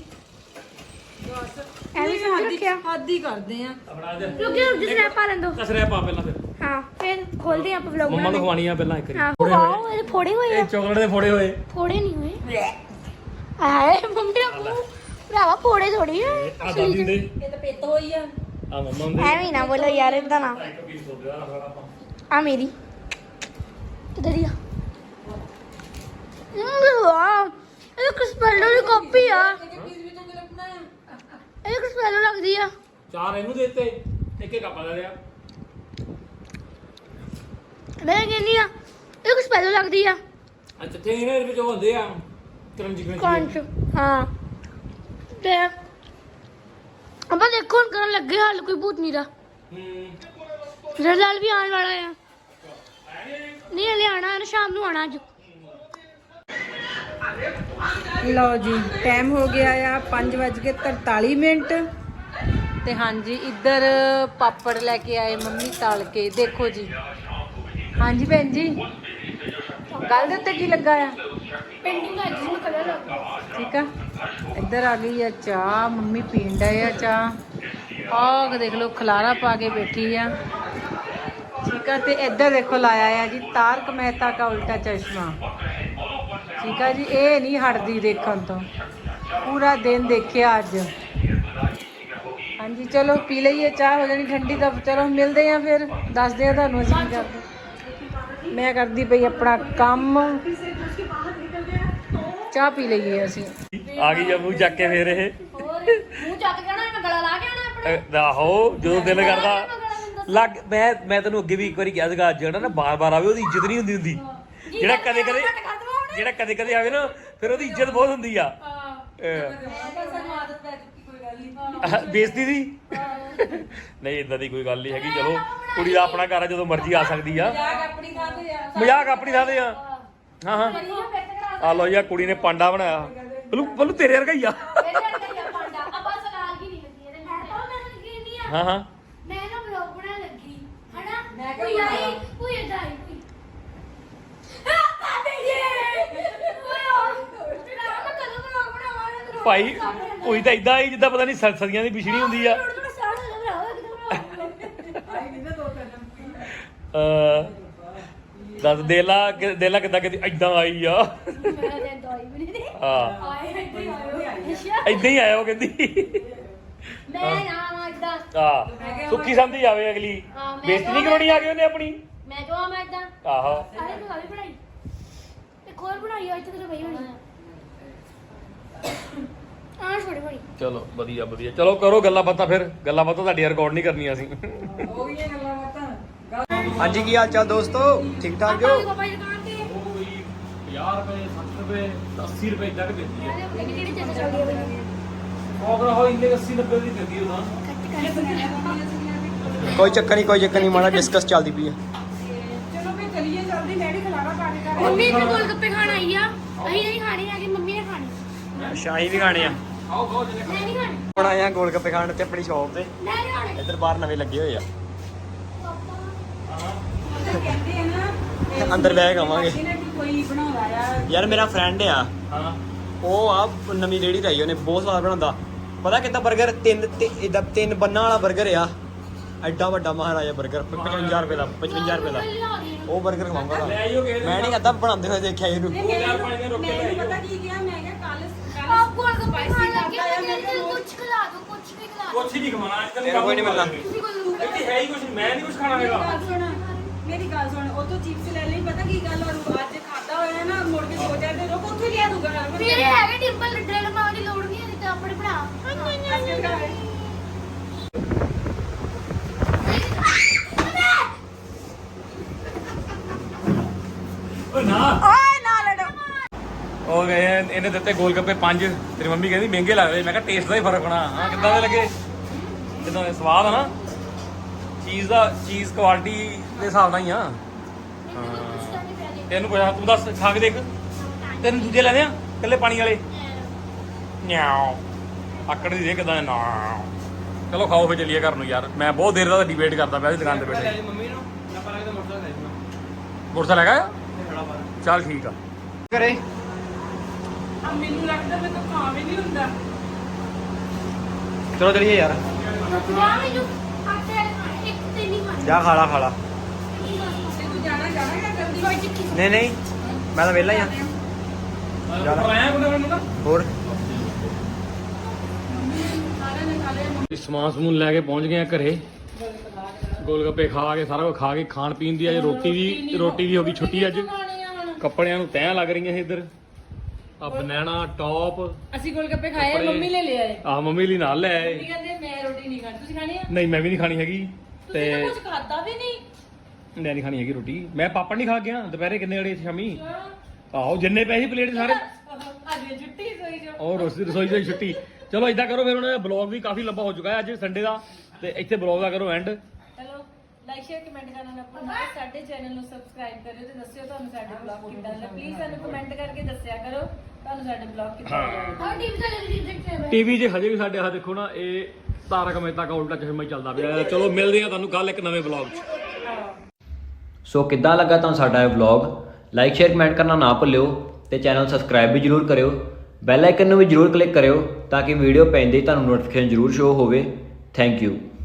ਐਵੇਂ ਸਮਝ ਰੱਖਿਆ।
ਹੱਦ ਹੀ ਕਰਦੇ ਆ।
ਆਪਣਾ ਅੱਜ
ਰੁਕ ਜਾ, ਜਿਸ ਨੇ ਪਾ ਲੈਂਦੋ।
ਕਸਰਿਆ ਪਾ ਪਹਿਲਾਂ ਫਿਰ।
ਹਾਂ ਫਿਰ ਖੋਲਦੇ ਆਪਾਂ ਵਲੌਗ।
ਮੰਮਾ ਨੂੰ ਖਵਾਣੀ ਆ ਪਹਿਲਾਂ ਇੱਕ
ਹਾਂ
ਵਾਰੀ।
ਵਾਓ, ਇਹ ਫੋੜੇ ਹੋਏ
ਇਹ
ਆ।
ਚਾਕਲੇਟ ਦੇ ਫੋੜੇ ਹੋਏ।
ਫੋੜੇ ਨਹੀਂ ਹੋਏ। ਆਏ ਮੰਮੀ ਦਾ ਮੂੰਹ ਭਰਾਵਾ, ਫੋੜੇ ਥੋੜੀ ਆ।
ਆ ਦਾਦੀ ਦੇ
ਇਹ ਤਾਂ ਪਿੱਤ ਹੋਈ ਆ।
ਆ ਮੰਮਾ ਦੇ
ਐਵੇਂ ਨਾ ਬੋਲੋ ਯਾਰ, ਇਦਾਂ ਨਾ।
ਇੱਕ ਪੀਸ ਹੋ ਗਿਆ ਸਾਡਾ ਆਪਾਂ।
ਆ ਮੇਰੀ ਕਿੱਧਰ ਆ? ਵਾਹ, ਇਹ ਕ੍ਰਿਸਪੈਲੋ ਦੀ ਕਾਪੀ ਆ। ਇਹ ਕ੍ਰਿਸਪੈਲੋ ਲੱਗਦੀ ਆ।
ਚਾਰ ਇਹਨੂੰ ਦੇ ਦਿੱਤੇ, ਇੱਕ ਇੱਕ ਆਪਾਂ ਲੈ ਲਿਆ।
ਮੈਂ ਕਹਿੰਦੀ ਆ ਇਹ ਕ੍ਰਿਸਪੈਲੋ ਲੱਗਦੀ ਆ।
ਅੱਛਾ ਤੇ ਇਹਨਾਂ ਦੇ ਵਿੱਚ ਉਹ ਹੁੰਦੇ ਆ ਕਰੰਜੀ ਕਰੰਜੀ।
ਕੰਚ। ਹਾਂ ਤੇ ਆਪਾਂ ਦੇਖੋ ਹੁਣ ਕਰਨ ਲੱਗੇ ਹਾਲ ਕੋਈ ਭੂਤ ਨਹੀਂ ਦਾ।
ਹੂੰ
ਰਲਾਲ ਵੀ ਆਉਣ ਵਾਲਾ ਆ। ਨਹੀਂ ਹਲੇ ਆਣਾ ਹੈ, ਸ਼ਾਮ ਨੂੰ ਆਣਾ ਅੱਜ।
ਲਓ ਜੀ, ਟਾਈਮ ਹੋ ਗਿਆ ਆ ਪੰਜ ਵੱਜ ਕੇ ਤਰਤਾਲੀ ਮਿੰਟ ਤੇ ਹਾਂਜੀ ਇੱਧਰ ਪਾਪੜ ਲੈ ਕੇ ਆਏ ਮੰਮੀ ਤਲ ਕੇ। ਦੇਖੋ ਜੀ। ਹਾਂਜੀ ਭੈਣ ਜੀ, ਗੱਲ ਦੇ ਉੱਤੇ ਕੀ ਲੱਗਾ ਆ?
ਪੇਂਟਿੰਗ ਅੱਜ ਨੂੰ ਕਲਰ ਲੱਗਾ।
ਠੀਕ ਆ। ਇੱਧਰ ਆ ਗਈ ਆ ਚਾਹ, ਮੰਮੀ ਪੀਣ ਡਏ ਆ ਚਾਹ। ਆਹ ਦੇਖ ਲਓ ਖਲਾਰਾ ਪਾ ਕੇ ਬੈਠੀ ਆ। ਠੀਕ ਆ। ਤੇ ਇੱਧਰ ਦੇਖੋ ਲਾਇਆ ਆ ਜੀ ਤਾਰਕ ਮਹਿਤਾ ਕਾ ਉਲਟਾ ਚਸ਼ਮਾ। ਠੀਕ ਆ ਜੀ, ਇਹ ਨਹੀਂ ਹਟਦੀ ਦੇਖਣ ਤੋਂ, ਪੂਰਾ ਦਿਨ ਦੇਖਿਆ ਅੱਜ। ਹਾਂਜੀ ਚਲੋ ਪੀ ਲਈਏ ਚਾਹ, ਹੋ ਜਾਣੀ ਠੰਡੀ। ਤਾਂ ਚਲੋ ਮਿਲਦੇ ਆ ਫਿਰ, ਦੱਸਦੇ ਆ ਤੁਹਾਨੂੰ ਅਸੀਂ ਕੀ ਕਰਦੇ। ਮੈਂ ਕਰਦੀ ਪਈ ਆਪਣਾ ਕੰਮ, ਚਾਹ ਪੀ ਲਈਏ ਅਸੀਂ।
ਆ ਗਈ ਆ ਮੂੰਹ ਚੱਕ ਕੇ ਫੇਰ ਇਹ।
ਮੂੰਹ ਚੱਕ ਕੇ ਨਾ ਗਲਾ ਲਾ ਕੇ ਆਣਾ ਆਪਣੇ।
ਆਹੋ ਜਦੋਂ ਦਿਲ ਕਰਦਾ ਲੱਗ। ਮੈਂ ਮੈਂ ਤੈਨੂੰ ਅੱਗੇ ਵੀ ਇੱਕ ਵਾਰੀ ਕਿਹਾ ਸੀਗਾ, ਜਿਹੜਾ ਨਾ ਬਾਰ ਬਾਰ ਆਵੇ ਉਹਦੀ ਇੱਜ਼ਤ ਨਹੀਂ ਹੁੰਦੀ ਹੁੰਦੀ। ਜਿਹੜਾ ਕਦੇ ਕਦੇ ਜਿਹੜਾ ਕਦੇ ਕਦੇ ਆਵੇ ਨਾ ਫਿਰ ਉਹਦੀ ਇੱਜ਼ਤ ਬਹੁਤ ਹੁੰਦੀ ਆ। ਬੇਇੱਜ਼ਤੀ ਦੀ ਨਹੀਂ, ਇਦਾਂ ਦੀ ਕੋਈ ਗੱਲ ਨਹੀਂ ਹੈਗੀ। ਚਲੋ ਕੁੜੀ ਦਾ ਆਪਣਾ ਘਰ ਆ, ਜਦੋਂ ਮਰਜ਼ੀ ਆ ਸਕਦੀ ਆ। ਮਜ਼ਾਕ ਆਪਣੀ ਥਾਂ ਤੇ ਆ। ਹਾਂ ਹਾਂ ਆ ਲੋ ਯਾ ਕੁੜੀ ਨੇ ਪਾਂਡਾ ਬਣਾਇਆ। ਬਲੂ ਬਲੂ ਤੇਰੇ ਵਰਗਾ ਹੀ ਆ। ਹਾਂ ਹਾਂ
ਮੈਂ ਨਾ ਵਲੌਗ ਬਣਾਉਣ ਲੱਗੀ ਹਨਾ। ਮੈਂ ਕੋਈ ਆਈ ਕੋਈ ਇਦਾਂ ਆਈ ਕੋਈ ਆ ਪਾਪੇ ਜੀ ਮੈਂ ਕਦੋਂ ਵਲੌਗ ਬਣਾਵਾਂ?
ਭਾਈ ਕੋਈ ਤਾਂ ਇਦਾਂ ਹੀ ਜਿੱਦਾਂ ਪਤਾ ਨਹੀਂ ਸਦੀਆਂ ਦੀ ਪਿਛੜੀ ਹੁੰਦੀ ਆ। ਅ ਦੱਸ ਦੇਲਾ ਦੇਲਾ ਕਿੱਦਾਂ ਕਿਤੇ ਇਦਾਂ ਆਈ ਆ। ਹਾਂ ਇਦਾਂ ਹੀ ਆਇਆ ਉਹ ਕਹਿੰਦੀ।
ਮੈਂ ਨਾ ਇਦਾਂ
ਹਾਂ ਸੁੱਖੀ ਸੰਦੀ ਆਵੇ ਅਗਲੀ। ਬੇਇੱਜ਼ਤੀ ਨਹੀਂ ਕਰਾਉਣੀ ਆ ਗਈ ਉਹਨੇ ਆਪਣੀ।
ਮੈਂ ਕਿਹਾ ਮੈਂ ਇਦਾਂ।
ਆਹੋ
ਅਰੇ ਤੂੰ ਵੀ ਬਣਾਈ ਇੱਕ ਹੋਰ ਬਣਾਈ ਆ ਇੱਥੇ ਤੇ ਪਈ ਹੋਣੀ ਆ ਛੋੜੀ ਬਣੀ।
ਚਲੋ ਵਧੀਆ ਵਧੀਆ। ਚਲੋ ਕਰੋ ਗੱਲਾਂ ਬਾਤਾਂ ਫਿਰ। ਗੱਲਾਂ ਬਾਤਾਂ ਤੁਹਾਡੀਆਂ ਰਿਕਾਰਡ ਨਹੀਂ ਕਰਨੀਆਂ ਅਸੀਂ।
ਹੋ ਗਈਆਂ ਗੱਲਾਂ ਬਾਤਾਂ।
ਹਾਂਜੀ ਕੀ ਹਾਲ ਚਾਲ ਦੋਸਤੋ, ਠੀਕ ਠਾਕ ਜੋ?
ਪਾਪਾ ਦੀ ਦੁਕਾਨ ਤੇ
ਉਹ ਕੋਈ ਪੰਜਾਹ ਰੁਪਏ ਸੱਠ ਰੁਪਏ ਅੱਸੀ ਰੁਪਏ ਤੱਕ ਦਿੰਦੀ ਹੈ।
ਕਿਹੜੀ ਕਿਹੜੀ ਚੀਜ਼ ਚੱਲਦੀ ਹੈ ਬਈ?
ਉਹ ਕਰਾ ਹੋ ਇੰਨੇ ਅੱਸੀ ਨੱਬੇ ਦੀ ਦਿੰਦੀ ਉਹ ਤਾਂ।
ਕੋਈ ਚੱਕਰ ਨਹੀਂ ਕੋਈ ਚੱਕਰ ਨਹੀਂ, ਮਾੜਾ ਡਿਸਕਸ ਚੱਲਦੀ ਪਈ ਹੈ।
ਚਲੋ ਫਿਰ ਚਲੀਏ ਜਲਦੀ, ਮੈਂ ਵੀ ਖਲਾਰਾ ਪਾ ਕੇ ਕਰ।
ਮੰਮੀ ਤੇ ਗੋਲ ਗੱਪੇ ਖਾਣ ਆਈ ਆ। ਅਸੀਂ ਨਹੀਂ ਖਾਣੀ ਹੈਗੀ, ਮੰਮੀ ਨੇ ਖਾਣੀ।
ਅੱਛਾ ਅਸੀਂ ਵੀ ਖਾਣੇ ਆ।
ਆਓ ਬਹੁਤ ਜਨੇ
ਮੈਂ ਨਹੀਂ ਖਾਣੀ।
ਹੁਣ ਆਏ ਆ ਗੋਲ ਗੱਪੇ ਖਾਣ ਤੇ ਆਪਣੀ ਸ਼ਾਪ ਤੇ।
ਮੈਂ ਨਹੀਂ ਖਾਣੀ।
ਇੱਧਰ ਬਾਹਰ ਨਵੇਂ ਲੱਗੇ ਹੋਏ ਆ,
ਕਹਿੰਦੇ ਆ ਨਾ
ਅੰਦਰ ਬਹਿ ਕੇ ਆਵਾਂਗੇ।
ਕੋਈ ਬਣਾਉਂਦਾ ਆ
ਯਾਰ ਮੇਰਾ ਫਰੈਂਡ ਆ,
ਹਾਂ
ਉਹ ਆ ਨਵੀਂ ਰੇਹੜੀ ਲਾਈ ਉਹਨੇ, ਬਹੁਤ ਸਵਾਦ ਬਣਾਉਂਦਾ। ਪਤਾ ਕਿੱਦਾਂ 버ਗਰ ਤਿੰਨ ਤੇ ਇਦਾਂ ਤਿੰਨ ਬੰਨਾਂ ਵਾਲਾ 버ਗਰ ਆ, ਐਡਾ ਵੱਡਾ ਮਹਾਰਾਜਾ 버ਗਰ ਪਚਵੰਜਾ ਰੁਪਏ ਦਾ ਪਚਵੰਜਾ ਰੁਪਏ ਦਾ। ਉਹ 버ਗਰ ਖਵਾਉਂਗਾ
ਲੈ ਆਈਓ ਕਿਸੇ ਦਿਨ।
ਮੈਂ ਨਹੀਂ ਅੱਧਾ ਬਣਾਉਂਦੇ ਹੋਏ ਦੇਖਿਆ ਇਹਨੂੰ।
ਚਾਰ ਪੰਜ ਦਿਨ ਰੁਕ ਕੇ ਲੈ
ਮੈਨੂੰ
ਆਈਓ।
ਪਤਾ ਕੀ ਕਿਹਾ, ਮੈਂ ਕਿਹਾ ਕੱਲ
ਆਪ ਗੋਲ ਗੱਪੇ ਖਾਣ ਲੱਗੇ, ਮੈਂ ਕਹਿੰਦੀ ਕੁਝ ਖਿਲਾ ਦਿਓ, ਕੁਝ ਵੀ ਖਿਲਾ ਦਿਓ।
ਕੁਛ ਹੀ ਨਹੀਂ ਖਵਾਉਣਾ ਅੱਜ ਕੱਲ੍ਹ।
ਤੇਰਾ ਕੋਈ ਨਹੀਂ ਮਿਲਣਾ।
ਤੁਸੀਂ ਕੋਈ
ਇੱਥੇ ਹੈ ਹੈ ਹੀ ਕੁਝ ਮੈਂ ਨਹੀਂ ਕੁਝ ਖਾਣਾ ਹੈਗਾ।
ਗੱਲ ਸੁਣ ਮੇਰੀ ਗੱਲ ਸੁਣ ਉਹ ਤੋਂ ਚਿਪਸ ਲੈ ਲਈ ਪਤਾ ਕੀ ਗੱਲ ਔਰ ਅੱਜ ਖਾਦਾ ਹੋਇਆ ਨਾ ਮੁੜ ਕੇ ਸੋ ਜਾਂਦੇ ਰੋਕ ਉੱਥੇ ਲਿਆ ਦੂਗਾ
ਮੇਰੇ ਹੈਗੇ ਡਿੰਪਲ ਡਰਿਲ ਮਾਰਨ ਦੀ ਲੋੜ ਨਹੀਂ ਹੈ ਤੇ ਆਪਣੇ ਬਣਾ
ਓ ਨਾ
ਓਏ ਨਾ ਲੜੋ
ਉਹ ਗਏ ਇਹਨੇ ਦਿੱਤੇ ਗੋਲ ਗੱਪੇ ਪੰਜ। ਤੇਰੀ ਮੰਮੀ ਕਹਿੰਦੀ ਮਹਿੰਗੇ ਲੱਗਦੇ। ਮੈਂ ਕਿਹਾ ਟੇਸਟ ਦਾ ਹੀ ਫਰਕ ਹੋਣਾ। ਹਾਂ ਕਿੱਦਾਂ ਦੇ ਲੱਗੇ? ਕਿੱਦਾਂ ਦੇ ਸਵਾਦ ਆ ਨਾ? ਚੀਜ਼ ਦਾ ਚੀਜ਼ ਕੁਆਲਿਟੀ ਦੇ ਹਿਸਾਬ ਨਾਲ ਹੀ ਆ। ਤੈਨੂੰ ਪੁੱਛਾ ਤੂੰ ਦੱਸ ਖਾ ਕੇ ਦੇਖ। ਤੈਨੂੰ ਦੂਜੇ ਲੈਣੇ ਆ ਇਕੱਲੇ ਪਾਣੀ ਵਾਲੇ? ਨਿਆਓ ਆਕੜ ਦੀ ਦੇ ਕਿਦਾਂ ਨਾ। ਚਲੋ ਖਾਓ ਫੇ ਚੱਲੀਏ ਘਰ ਨੂੰ ਯਾਰ। ਮੈਂ ਬਹੁਤ ਦੇਰ ਦਾ ਡਿਬੇਟ ਕਰਦਾ ਪਿਆ ਸੀ ਦੁਕਾਨ ਤੇ ਬੈਠੇ।
ਮੰਮੀ ਨੂੰ ਆਪਾਂ ਲੱਗਦਾ ਮੋਟਰਸਾਈਕਲ ਲੈ
ਮੋਟਰਸਾਈਕਲ ਹੈਗਾ? ਚੱਲ ਠੀਕ ਆ।
ਕਰੇ
ਆ ਮੈਨੂੰ ਲੱਗਦਾ ਮੈਂ ਤਾਂ ਖਾ ਵੀ ਨਹੀਂ ਹੁੰਦਾ
ਚਲੋ ਚਲੀਏ ਯਾਰ।
ਯਾਰ ਮੈਨੂੰ ਆਟੇ ਇੱਕ ਤੇ ਨਹੀਂ ਖਾਣੀ
ਜਾ ਖਾ ਲਾ ਖਾ ਲਾ।
ਤੇ ਤੂੰ ਜਾਣਾ ਜਾਣਾ ਜਾਂ ਜਲਦੀ
ਕੋਈ ਚਿੱਕੀ
ਨਹੀਂ ਨਹੀਂ ਮੈਂ ਤਾਂ ਵਿਹਲਾ ਹੀ ਆ।
ਆਇਆ ਕੋਈ ਮੈਨੂੰ ਨਾ
ਹੋਰ
ਸਾਰਿਆਂ ਨੇ ਖਾ ਲਿਆ
ਸਮਾਨ ਸਮੂਨ ਲੈ ਕੇ ਪਹੁੰਚ ਗਏ ਆ ਘਰੇ। ਗੋਲ ਗੱਪੇ ਖਾ ਕੇ ਸਾਰਾ ਕੁਝ ਖਾ ਕੇ ਖਾਣ ਪੀਣ ਦੀ ਅੱਜ ਰੋਟੀ ਦੀ ਰੋਟੀ ਦੀ ਹੋ ਗਈ ਛੁੱਟੀ ਅੱਜ। ਕੱਪੜਿਆਂ ਨੂੰ ਤੈਅ ਲੱਗ ਰਹੀਆਂ ਸੀ ਇੱਧਰ। ਆ ਬਨਾਨਾ ਟੌਪ
ਅਸੀਂ ਗੋਲ ਗੱਪੇ ਖਾਏ ਆ,
ਕੱਪੜੇ-
ਮੰਮੀ ਲੈ ਲਿਆ ਏ
ਆ ਮੰਮੀ ਲਈ ਨਾਲ ਲੈ ਆਏ।
ਮੰਮੀ ਕਹਿੰਦੇ ਮੈਂ ਰੋਟੀ ਨਹੀਂ ਖਾਣੀ ਤੁਸੀਂ ਖਾਣੀ ਆ
ਨਹੀਂ ਮੈਂ ਵੀ ਨਹੀਂ ਖਾਣੀ ਹੈਗੀ ਤੇ
ਤੁਸੀਂ ਤਾਂ ਕੁਝ ਖਾਦਾ ਵੀ ਨਹੀਂ
ਮੈਂ ਨਹੀਂ ਖਾਣੀ ਹੈਗੀ ਰੋਟੀ। ਮੈਂ ਪਾਪੜ ਨਹੀਂ ਖਾ ਗਿਆ ਦੁਪਹਿਰੇ ਕਿੰਨੇ ਵਜੇ ਸ਼ਾਮੀ। ਆਹੋ ਜਿੰਨੇ ਪੈਸੇ ਪਲੇਟ ਸਾਰੇ
ਅੱਜ ਛੁੱਟੀ ਸੋਈ ਜੋ
ਔਰ ਰੋਟੀ ਰਸੋਈ ਦੀ ਛੁੱਟੀ। ਚਲੋ ਇਦਾਂ ਕਰੋ ਫਿਰ ਹੁਣ ਬਲੌਗ ਵੀ ਕਾਫੀ ਲੰਬਾ ਹੋ ਚੁੱਕਾ ਹੈ ਅੱਜ ਸੰਡੇ ਦਾ ਤੇ ਇੱਥੇ ਬਲੌਗ ਦਾ ਕਰੋ ਐਂਡ।
ਚਲੋ ਲਾਈਕ ਸ਼ੇਅਰ ਕਮੈਂਟ ਕਰਨਾ ਨਾ ਭੁੱਲਣਾ। ਸਾਡੇ ਚੈਨਲ ਨੂੰ ਸਬਸਕ੍ਰਾਈਬ ਕਰਿਓ ਤੇ ਦੱਸਿਓ ਤੁਹਾਨੂੰ ਸਾਡੇ ਬਲੌਗ ਕਿੱਦਾਂ ਲੱਗੇ। ਪਲੀਜ਼ ਸਾਨੂੰ ਕਮੈਂਟ ਕਰਕੇ ਦੱਸਿਆ ਕਰੋ ਤੁਹਾਨੂੰ ਸਾਡੇ ਬਲੌਗ ਕਿੱਦਾਂ ਲੱਗੇ।
ਹਾਂ ਟੀਵੀ ਤੇ ਲੱਗੀ ਦੇਖਦੇ ਹੋਏ
ਟੀਵੀ 'ਚ ਹਜੇ ਵੀ ਸਾਡੇ ਆਹ ਦੇਖੋ ਨਾ ਇਹ ਤਾਰਕ ਮਹਿਤਾ ਕਾ ਉਲਟਾ ਚਸ਼ਮਾ ਹੀ ਚੱਲਦਾ ਪਿਆ। ਚਲੋ ਮਿਲਦੇ ਆ ਤੁਹਾਨੂੰ ਕੱਲ ਇੱਕ ਨਵੇਂ ਬਲੌਗ 'ਚ।
ਸੋ ਕਿੱਦਾਂ ਲੱਗਾ ਤੁਹਾਨੂੰ ਸਾਡਾ ਇਹ ਵਲੌਗ? ਲਾਈਕ ਸ਼ੇਅਰ ਕਮੈਂਟ ਕਰਨਾ ਨਾ ਭੁੱਲਿਓ ਤੇ ਚੈਨਲ ਸਬਸਕ੍ਰਾਈਬ ਵੀ ਜਰੂਰ ਕਰਿਓ। ਬੈਲ ਆਈਕਨ ਨੂੰ ਵੀ ਜਰੂਰ ਕਲਿੱਕ ਕਰਿਓ ਤਾਂ ਕਿ ਵੀਡੀਓ ਪੈਂਦੇ ਹੀ ਤੁਹਾਨੂੰ ਨੋਟੀਫਿਕੇਸ਼ਨ ਜਰੂਰ ਸ਼ੋ ਹੋਵੇ। Thank you.